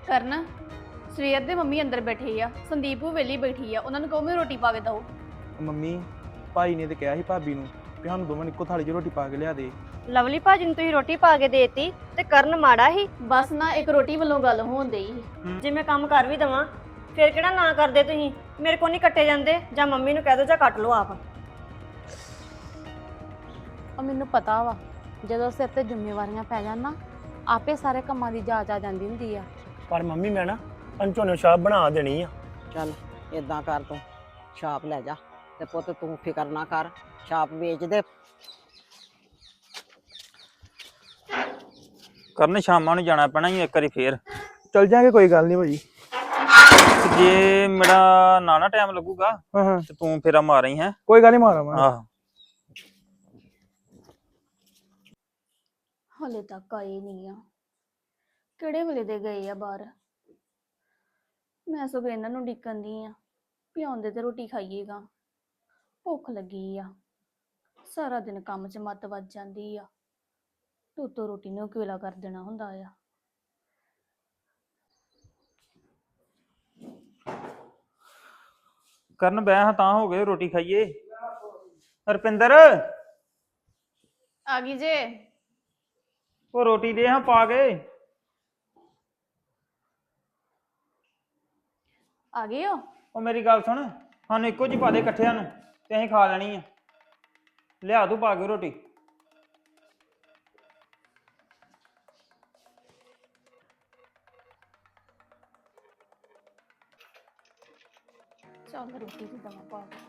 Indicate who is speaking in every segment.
Speaker 1: ਕਰਨ ਸਵੇਰ ਦੇ ਮੰਮੀ ਅੰਦਰ ਬੈਠੇ ਆ, ਸੰਦੀਪ ਉਹ ਵੇਲੀ ਬੈਠੀ ਆ, ਉਹਨਾਂ ਨੂੰ ਕਹੋ ਮੈਂ ਰੋਟੀ ਪਾ ਕੇ ਦਓ।
Speaker 2: ਮੰਮੀ ਭਾਈ ਨੇ ਤੇ ਕਿਹਾ ਸੀ ਭਾਬੀ ਨੂੰ ਕਿ ਸਾਨੂੰ ਦੋਵਾਂ ਨੂੰ ਇੱਕੋ ਥਾਲੀ 'ਚ ਰੋਟੀ ਪਾ ਕੇ ਲਿਆ ਦੇ।
Speaker 3: ਲਵਲੀ ਭਾਜੀ ਨੂੰ ਤੁਸੀਂ ਰੋਟੀ ਪਾ ਕੇ ਦੇਤੀ ਤੇ ਕਰਨ ਮਾੜਾ ਹੀ।
Speaker 1: ਬਸ ਨਾ ਇੱਕ ਰੋਟੀ ਵੱਲੋਂ ਗੱਲ ਹੋਣ ਡਈ।
Speaker 3: ਜੇ ਮੈਂ ਕੰਮ ਕਰ ਵੀ ਦਵਾਂ ਫਿਰ ਕਿਹੜਾ ਨਾ ਕਰਦੇ ਤੁਸੀਂ? ਮੇਰੇ ਕੋਲ ਨਹੀਂ ਕੱਟੇ ਜਾਂਦੇ, ਜਾਂ ਮੰਮੀ ਨੂੰ ਕਹਿ ਦੋ ਜਾਂ ਕੱਟ ਲਓ ਆਪ।
Speaker 4: ਉਹ ਮੈਨੂੰ ਪਤਾ ਵਾ ਜਦੋਂ ਸਿਰ ਤੇ ਜ਼ਿੰਮੇਵਾਰੀਆਂ ਪੈ ਜਾਣ ਨਾ ਆਪੇ ਸਾਰੇ ਕੰਮਾਂ ਦੀ ਜਾਚ ਆ ਜਾਂਦੀ ਹੁੰਦੀ ਆ।
Speaker 5: ਪਰ ਮੰਮੀ ਮੈਂ ਨਾ ਪੰਚੋਂ ਛਾਪ ਬਣਾ ਦੇਣੀ ਆ।
Speaker 6: ਚੱਲ ਇਦਾਂ ਕਰ, ਤੂੰ ਛਾਪ ਲੈ ਜਾ ਤੇ ਪੁੱਤ ਤੂੰ ਫਿਕਰ ਨਾ ਕਰ, ਛਾਪ ਵੇਚ ਦੇ।
Speaker 7: ਕਰਨ ਸ਼ਾਮਾਂ ਨੂੰ ਜਾਣਾ ਪੈਣਾ ਹੀ ਇੱਕ ਵਾਰੀ ਫੇਰ।
Speaker 2: ਚੱਲ ਜਾਾਂਗੇ, ਕੋਈ ਗੱਲ ਨਹੀਂ ਭਾਜੀ।
Speaker 7: ਤੇ ਜੇ ਮੇਰਾ ਨਾ ਟਾਈਮ ਲੱਗੂਗਾ
Speaker 2: ਹਾਂ
Speaker 7: ਤੇ ਤੂੰ ਫੇਰਾ ਮਾਰੀ ਹੈ।
Speaker 2: ਕੋਈ ਗੱਲ ਨਹੀਂ, ਮਾਰਾਂਗਾ।
Speaker 7: ਆਹੋ
Speaker 1: ਹਲੇ ਤੱਕ ਆਏ ਨਹੀਂ ਆ, ਕਿਹੜੇ ਵੇਲੇ ਦੇ ਗਏ ਆ ਬਾਹਰ। ਮੈਂ ਸਗੋਂ ਇਹਨਾਂ ਨੂੰ ਡਿੱਕਣ ਦੀ ਆ ਵੀ ਆਉਂਦੇ ਤੇ ਰੋਟੀ ਖਾਈਏਗਾ, ਭੁੱਖ ਲੱਗੀ ਆ। ਸਾਰਾ ਦਿਨ ਕੰਮ 'ਚ ਮੱਤ ਵੱਜ ਜਾਂਦੀ ਆ, ਤੂੰ ਰੋਟੀ ਨੂੰ ਕਿਵੇਲਾ ਕਰ ਦੇਣਾ ਹੁੰਦਾ ਆ।
Speaker 7: ਕਰਨ ਬੈ ਹਾਂ ਤਾਂ ਹੋ ਗਏ ਰੋਟੀ ਖਾਈਏ। ਰਪਿੰਦਰ
Speaker 1: ਆ ਗਈ ਜੇ।
Speaker 7: ਉਹ ਰੋਟੀ ਦੇ ਹਾਂ ਪਾ ਕੇ।
Speaker 1: ਆ ਗਏ ਹੋ?
Speaker 7: ਉਹ ਮੇਰੀ ਗੱਲ ਸੁਣ, ਸਾਨੂੰ ਇੱਕੋ ਜਿਹੀ ਪਾ ਦੇ ਇਕੱਠਿਆਂ ਨੂੰ ਤੇ ਅਸੀਂ ਖਾ ਲੈਣੀ ਆ। ਲਿਆ ਤੂੰ ਪਾ ਕੇ ਰੋਟੀ।
Speaker 1: ਚੱਲ ਰੋਟੀ ਦੀ ਦਵਾ ਪਾ ਕੇ।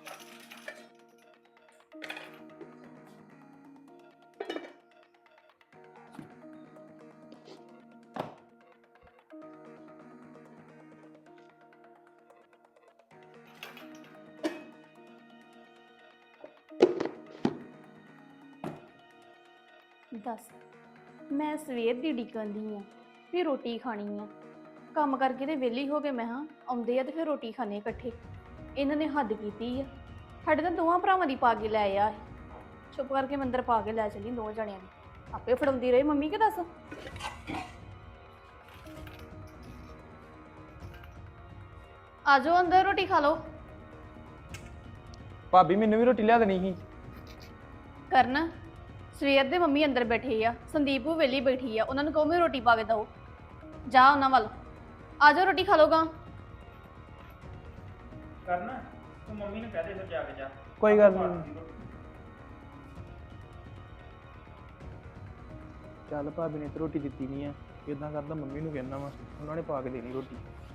Speaker 1: ਦੱਸ, ਮੈਂ ਸਵੇਰ ਦੀ ਡਿੱਕਣ ਦੀ ਆ ਵੀ ਰੋਟੀ ਖਾਣੀ ਆ। ਕੰਮ ਕਰਕੇ ਤੇ ਵਿਹਲੀ ਹੋ ਕੇ ਮੈਂ ਹਾਂ ਆਉਂਦੇ ਆ ਤੇ ਫਿਰ ਰੋਟੀ ਖਾਣੇ ਇਕੱਠੇ। ਇਹਨਾਂ ਨੇ ਹੱਦ ਕੀਤੀ ਆ, ਸਾਡੇ ਤਾਂ ਦੋਵਾਂ ਭਰਾਵਾਂ ਦੀ ਪਾ ਕੇ ਲੈ ਆ। ਚੁੱਪ ਕਰਕੇ ਮੈਂ ਅੰਦਰ ਪਾ ਕੇ ਲੈ ਚਲੀ ਦੋ ਜਣਿਆਂ ਨੂੰ, ਆਪੇ ਫੜਾਉਂਦੀ ਰਹੀ ਮੰਮੀ। ਕਿ ਦੱਸ ਆ ਜਾਓ ਅੰਦਰ ਰੋਟੀ ਖਾ ਲਓ।
Speaker 2: ਭਾਬੀ ਮੈਨੂੰ ਵੀ ਰੋਟੀ ਲਿਆ ਦੇਣੀ ਸੀ।
Speaker 1: ਕਰਨ ਸਵੇਰ ਦੇ ਮੰਮੀ ਅੰਦਰ ਬੈਠੇ ਆ, ਸੰਦੀਪ ਉਹ ਵੇਲੀ ਬੈਠੀ ਆ, ਉਹਨਾਂ ਨੂੰ ਕਹੋ ਮੈਂ ਰੋਟੀ ਪਾ ਕੇ ਦਓ। ਜਾ ਉਹਨਾਂ ਵੱਲ, ਆ ਜਾਓ ਰੋਟੀ ਖਾ ਲਓਗਾ।
Speaker 7: ਕਰਨ ਤੂੰ ਮੰਮੀ ਨੂੰ ਕਹਿ ਦੇ ਫਿਰ ਜਾ ਕੇ ਜਾ।
Speaker 2: ਕੋਈ ਗੱਲ ਨਹੀਂ। ਚੱਲ ਭਾਬੀ ਨੇ ਤੇ ਰੋਟੀ ਦਿੱਤੀ ਨਹੀਂ ਆ, ਇਦਾਂ ਕਰਦਾ ਮੰਮੀ ਨੂੰ ਕਹਿਣਾ ਵਾ, ਉਹਨਾਂ ਨੇ ਪਾ ਕੇ ਦੇਣੀ ਰੋਟੀ।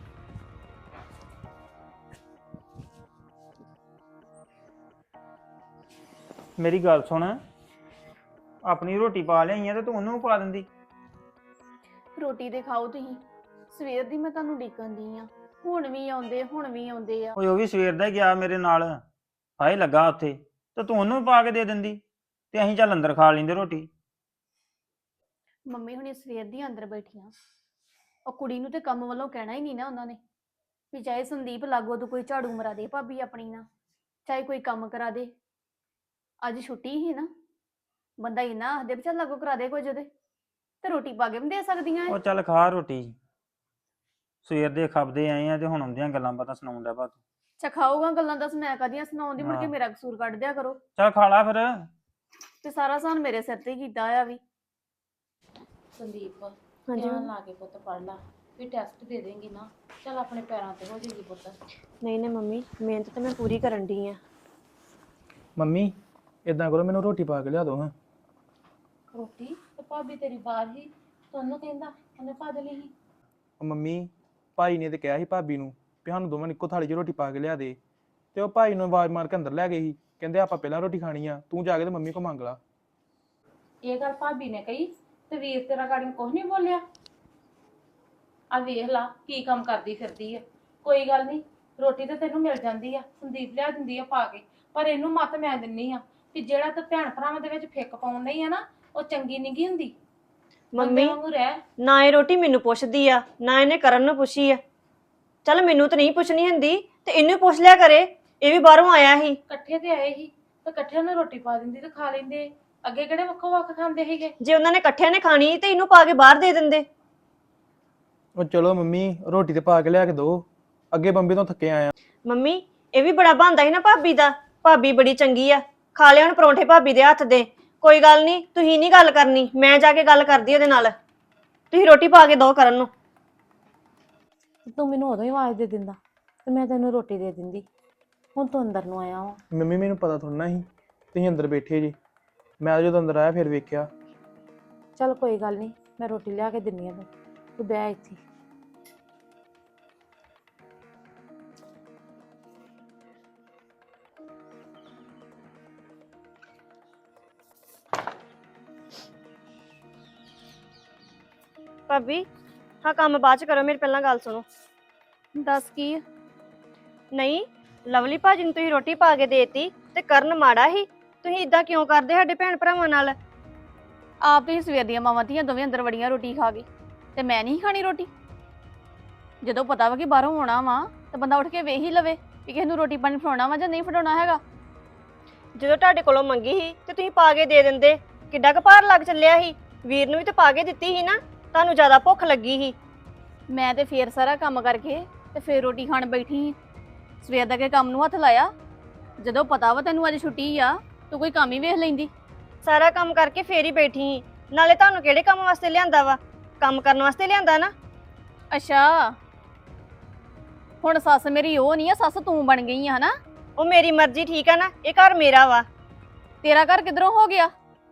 Speaker 7: ਮੇਰੀ ਗੱਲ ਸੁਣ, ਆਪਣੀ ਰੋਟੀ ਪਾ ਲਿਆਈ ਆ ਤੇ ਤੂੰ ਉਹਨੂੰ ਪਾ ਦਿੰਦੀ।
Speaker 1: ਰੋਟੀ ਦੇ ਖਾਓ ਤੁਸੀਂ, ਸਵੇਰ ਦੀ ਮੈਂ ਤੁਹਾਨੂੰ ਡਿੱਕਣ ਦੀ ਆ। ਹੁਣ ਵੀ ਆਉਂਦੇ ਆ।
Speaker 7: ਓਏ ਉਹ ਵੀ ਸਵੇਰ ਦਾ ਹੀ ਗਿਆ ਮੇਰੇ ਨਾਲ, ਹਾਏ ਲੱਗਾ ਉੱਥੇ, ਤੇ ਤੂੰ ਉਹਨੂੰ ਪਾ ਕੇ ਦੇ ਦਿੰਦੀ ਤੇ ਅਸੀਂ ਚੱਲ ਅੰਦਰ ਖਾ ਲੈਂਦੇ ਰੋਟੀ।
Speaker 1: ਮੰਮੀ ਹੁਣੀ ਸਵੇਰ ਦੀ ਅੰਦਰ ਬੈਠੀਆਂ, ਉਹ ਕੁੜੀ ਨੂੰ ਤੇ ਕੰਮ ਵੱਲੋਂ ਕਹਿਣਾ ਹੀ ਨਹੀਂ ਨਾ ਉਹਨਾਂ ਨੇ ਵੀ ਚਾਹੇ ਸੰਦੀਪ ਲਾਗੋ ਤੋਂ ਕੋਈ ਝਾੜੂ ਮਰਾ ਦੇ ਭਾਬੀ ਆਪਣੀ ਨਾਲ, ਚਾਹੇ ਕੋਈ ਕੰਮ ਕਰਾ ਦੇ। ਅੱਜ ਛੁੱਟੀ ਹੀ ਨਾ, ਬੰਦਾ ਇੰਨਾ ਆਖਦੇ ਵੀ ਚੱਲ ਲਾਗੋ ਕਰਾ ਦੇ ਕੁਝ ਉਹਦੇ, ਤੇ ਰੋਟੀ ਪਾ ਕੇ ਵੀ ਦੇ ਸਕਦੀਆਂ।
Speaker 7: ਉਹ ਚੱਲ ਖਾ ਰੋਟੀ, ਸਵੇਰ ਦੇ ਖਾਬਦੇ ਆਏ ਆ ਤੇ ਹੁਣ ਆਉਂਦੀਆਂ ਗੱਲਾਂ ਬਾਤਾਂ ਸੁਣਾਉਣ ਦਾ ਬਾਤ।
Speaker 1: ਅੱਛਾ ਖਾਊਗਾ ਗੱਲਾਂ, ਦੱਸ ਮੈਂ ਕਦੀਆਂ ਸੁਣਾਉਂਦੀ, ਮੁੜ ਕੇ
Speaker 7: ਹਾਂ।
Speaker 1: ਮੇਰਾ ਕਸੂਰ ਕੱਢ ਦਿਆ ਕਰੋ।
Speaker 7: ਚੱਲ ਖਾ ਲਾ ਫਿਰ।
Speaker 1: ਤੇ ਸਾਰਾ ਸਾਨ ਮੇਰੇ ਸਿਰ ਤੇ ਹੀ ਕੀਤਾ ਆ ਵੀ।
Speaker 4: ਸੰਦੀਪ
Speaker 3: ਹਾਂਜੀ
Speaker 4: ਧਿਆਨ ਲਾ ਕੇ ਪੁੱਤ ਪੜ ਲਾ, ਵੀ ਟੈਸਟ ਦੇ ਦੇਂਗੀ ਨਾ ਚੱਲ ਆਪਣੇ ਪੈਰਾਂ ਤੇ ਹੋ ਜਾਏਗੀ ਪੁੱਤ।
Speaker 3: ਨਹੀਂ ਨਹੀਂ ਮੰਮੀ, ਮਿਹਨਤ ਤਾਂ ਮੈਂ ਪੂਰੀ ਕਰਨ ਡਈ ਆ।
Speaker 2: ਮੰਮੀ ਇਦਾਂ ਕਰੋ, ਮੈਨੂੰ ਰੋਟੀ ਪਾ ਕੇ ਲਿਆ ਦਿਓ ਹਾਂ।
Speaker 4: ਰੋਟੀ ਤੇ ਭਾਬੀ ਤੇਰੀ ਬਾਹਰ ਹੀ, ਤੁਹਾਨੂੰ ਕਹਿੰਦਾ ਉਹਨੇ ਪਾ ਦੇ ਲਈ।
Speaker 2: ਉਹ ਮੰਮੀ ਭਾਈ ਨੇ ਤੇ ਕਿਹਾ ਸੀ ਭਾਬੀ ਨੂੰ ਵੀ ਸਾਨੂੰ ਦੋਵਾਂ ਨੂੰ ਇੱਕੋ ਥਾਲੀ 'ਚ ਰੋਟੀ ਪਾ ਕੇ ਲਿਆ ਦੇ, ਤੇ ਉਹ ਭਾਈ ਨੂੰ ਆਵਾਜ਼ ਮਾਰ ਕੇ ਅੰਦਰ ਲੈ ਗਏ ਸੀ। ਕਹਿੰਦੇ ਆਪਾਂ ਪਹਿਲਾਂ ਰੋਟੀ ਖਾਣੀ ਆ, ਤੂੰ ਜਾ ਕੇ ਤੇ ਮੰਮੀ ਕੋ ਮੰਗ ਲਾ।
Speaker 4: ਇਹ ਗੱਲ ਭਾਬੀ ਨੇ ਕਹੀ ਤੇ ਵੀਰ ਤੇਰਾ ਗਾੜੀ ਕੁਝ ਨਹੀਂ ਬੋਲਿਆ। ਆ ਵੇਖ ਲਾ ਕੀ ਕੰਮ ਕਰਦੀ ਫਿਰਦੀ ਆ। ਕੋਈ ਗੱਲ ਨਹੀਂ, ਰੋਟੀ ਤੇ ਤੈਨੂੰ ਮਿਲ ਜਾਂਦੀ ਆ, ਸੰਦੀਪ ਲਿਆ ਦਿੰਦੀ ਆ ਪਾ ਕੇ, ਪਰ ਇਹਨੂੰ ਮੱਤ ਮੈਂ ਦਿੰਨੀ ਆ ਕਿ ਜਿਹੜਾ ਤੂੰ ਭੈਣ ਭਰਾਵਾਂ ਦੇ ਵਿੱਚ ਫਿੱਕ ਪਾਉਣ ਨਹੀਂ ਆ ਨਾ, ਉਹ ਚੰਗੀ ਨਹੀਂ ਹੁੰਦੀ।
Speaker 3: ਮੰਮੀ
Speaker 4: ਵਾਂਗੂ ਰਹਿ।
Speaker 3: ਨਾ ਇਹ ਰੋਟੀ ਮੈਨੂੰ ਪੁੱਛਦੀ ਆ, ਨਾ ਇਹਨੇ ਕਰਨ ਨੂੰ ਪੁੱਛੀ ਆ। ਚੱਲ ਮੈਨੂੰ ਤਾਂ ਨਹੀਂ ਪੁੱਛਣੀ ਹੁੰਦੀ ਤੇ ਇਹਨੂੰ ਪੁੱਛ ਲਿਆ ਕਰੇ, ਇਹ ਵੀ ਬਾਹਰੋਂ ਆਇਆ ਸੀ।
Speaker 4: ਇਕੱਠੇ ਤੇ ਆਏ ਸੀ ਤੇ ਇਕੱਠਿਆਂ ਨੂੰ ਰੋਟੀ ਪਾ ਦਿੰਦੀ ਤੇ ਖਾ ਲੈਂਦੇ। ਅੱਗੇ ਕਿਹੜੇ ਵੱਖੋ ਵੱਖ ਖਾਂਦੇ ਸੀਗੇ?
Speaker 3: ਜੇ ਉਹਨਾਂ ਨੇ ਇਕੱਠਿਆਂ ਨੇ ਖਾਣੀ ਤੇ ਇਹਨੂੰ ਪਾ ਕੇ ਬਾਹਰ ਦੇ ਦਿੰਦੇ।
Speaker 2: ਉਹ ਚਲੋ ਮੰਮੀ ਰੋਟੀ ਤੇ ਪਾ ਕੇ ਲਿਆ ਕੇ ਦੋ, ਅੱਗੇ ਬੰਬੀ ਤੋਂ ਥੱਕੇ ਆਇਆ।
Speaker 3: ਮੰਮੀ ਇਹ ਵੀ ਬੜਾ ਬਣਦਾ ਸੀ ਨਾ ਭਾਬੀ ਦਾ, ਭਾਬੀ ਬੜੀ ਚੰਗੀ ਆ, ਖਾ ਲਿਆ ਹੁਣ ਪਰੌਂਠੇ ਭਾਬੀ ਦੇ ਹੱਥ ਦੇ। ਕੋਈ ਗੱਲ ਨਹੀਂ, ਤੁਸੀਂ ਨਹੀਂ ਗੱਲ ਕਰਨੀ, ਮੈਂ ਜਾ ਕੇ ਗੱਲ ਕਰਦੀ ਉਹਦੇ ਨਾਲ। ਤੁਸੀਂ ਰੋਟੀ ਪਾ ਕੇ ਦੋ ਕਰਨ ਨੂੰ।
Speaker 4: ਤੂੰ ਮੈਨੂੰ ਉਦੋਂ ਹੀ ਆਵਾਜ਼ ਦੇ ਦਿੰਦਾ ਤੇ ਮੈਂ ਤੈਨੂੰ ਰੋਟੀ ਦੇ ਦਿੰਦੀ। ਹੁਣ ਤੂੰ ਅੰਦਰ ਨੂੰ ਆਇਆ ਵਾ।
Speaker 2: ਮੰਮੀ ਮੈਨੂੰ ਪਤਾ ਥੋੜਾ ਸੀ ਤੁਸੀਂ ਅੰਦਰ ਬੈਠੇ ਜੀ, ਮੈਂ ਜਦੋਂ ਅੰਦਰ ਆਇਆ ਫਿਰ ਵੇਖਿਆ।
Speaker 4: ਚੱਲ ਕੋਈ ਗੱਲ ਨਹੀਂ, ਮੈਂ ਰੋਟੀ ਲਿਆ ਕੇ ਦਿੰਨੀ ਆ ਤੂੰ ਬਹਿ ਇੱਥੇ।
Speaker 3: ਭਾਬੀ ਹਾਂ ਕੰਮ ਬਾਅਦ ਚ ਕਰੋ, ਮੇਰੀ ਪਹਿਲਾਂ ਗੱਲ ਸੁਣੋ।
Speaker 1: ਦੱਸ ਕੀ ਆ?
Speaker 3: ਨਹੀਂ, ਲਵਲੀ ਭਾਜੀ ਨੂੰ ਤੁਸੀਂ ਰੋਟੀ ਪਾ ਕੇ ਦੇਤੀ ਤੇ ਕਰਨ ਮਾੜਾ ਹੀ। ਤੁਸੀਂ ਇਦਾਂ ਕਿਉਂ ਕਰਦੇ ਸਾਡੇ ਭੈਣ ਭਰਾਵਾਂ ਨਾਲ?
Speaker 1: ਆਪ ਤੁਸੀਂ ਸਵੇਰ ਦੀਆਂ ਮਾਵਾਂ ਧੀਆਂ ਦੋਵੇਂ ਅੰਦਰ ਵੜੀਆਂ ਰੋਟੀ ਖਾ ਕੇ, ਤੇ ਮੈਂ ਨਹੀਂ ਖਾਣੀ ਰੋਟੀ? ਜਦੋਂ ਪਤਾ ਵਾ ਕਿ ਬਾਹਰੋਂ ਆਉਣਾ ਵਾ ਤਾਂ ਬੰਦਾ ਉੱਠ ਕੇ ਵੇਖ ਹੀ ਲਵੇ ਕਿ ਕਿਸੇ ਨੂੰ ਰੋਟੀ ਪਾਣੀ ਫੜਾਉਣਾ ਵਾ ਜਾਂ ਨਹੀਂ ਫੜਾਉਣਾ ਹੈਗਾ।
Speaker 3: ਜਦੋਂ ਤੁਹਾਡੇ ਕੋਲੋਂ ਮੰਗੀ ਸੀ ਤੇ ਤੁਸੀਂ ਪਾ ਕੇ ਦੇ ਦਿੰਦੇ, ਕਿੱਡਾ ਕੁ ਭਾਰ ਲੱਗ ਚੱਲਿਆ ਸੀ। ਵੀਰ ਨੂੰ ਵੀ ਤੇ ਪਾ ਕੇ ਦਿੱਤੀ ਸੀ ਨਾ, ਤੁਹਾਨੂੰ ਜ਼ਿਆਦਾ ਭੁੱਖ ਲੱਗੀ ਸੀ।
Speaker 1: ਮੈਂ ਤੇ ਫੇਰ ਸਾਰਾ ਕੰਮ ਕਰਕੇ ਤੇ ਫੇਰ ਰੋਟੀ ਖਾਣ ਬੈਠੀ ਸੀ। ਸਵੇਰ ਦਾ ਕੇ ਕੰਮ ਨੂੰ ਹੱਥ ਲਾਇਆ, ਜਦੋਂ ਪਤਾ ਵਾ ਤੈਨੂੰ ਅੱਜ ਛੁੱਟੀ ਆ ਤੂੰ ਕੋਈ ਕੰਮ ਹੀ ਵੇਖ ਲੈਂਦੀ।
Speaker 3: ਸਾਰਾ ਕੰਮ ਕਰਕੇ ਫੇਰ ਹੀ ਬੈਠੀ ਸੀ। ਨਾਲੇ ਤੁਹਾਨੂੰ ਕਿਹੜੇ ਕੰਮ ਵਾਸਤੇ ਲਿਆਂਦਾ ਵਾ? ਕੰਮ ਕਰਨ ਵਾਸਤੇ ਲਿਆਂਦਾ ਨਾ।
Speaker 1: ਅੱਛਾ, ਹੁਣ ਸੱਸ ਮੇਰੀ ਉਹ ਨਹੀਂ ਆ, ਸੱਸ ਤੂੰ ਬਣ ਗਈ ਆ ਹਨਾ?
Speaker 3: ਉਹ ਮੇਰੀ ਮਰਜ਼ੀ, ਠੀਕ ਆ ਨਾ? ਇਹ ਘਰ ਮੇਰਾ ਵਾ।
Speaker 1: ਤੇਰਾ ਘਰ ਕਿਧਰੋਂ ਹੋ ਗਿਆ?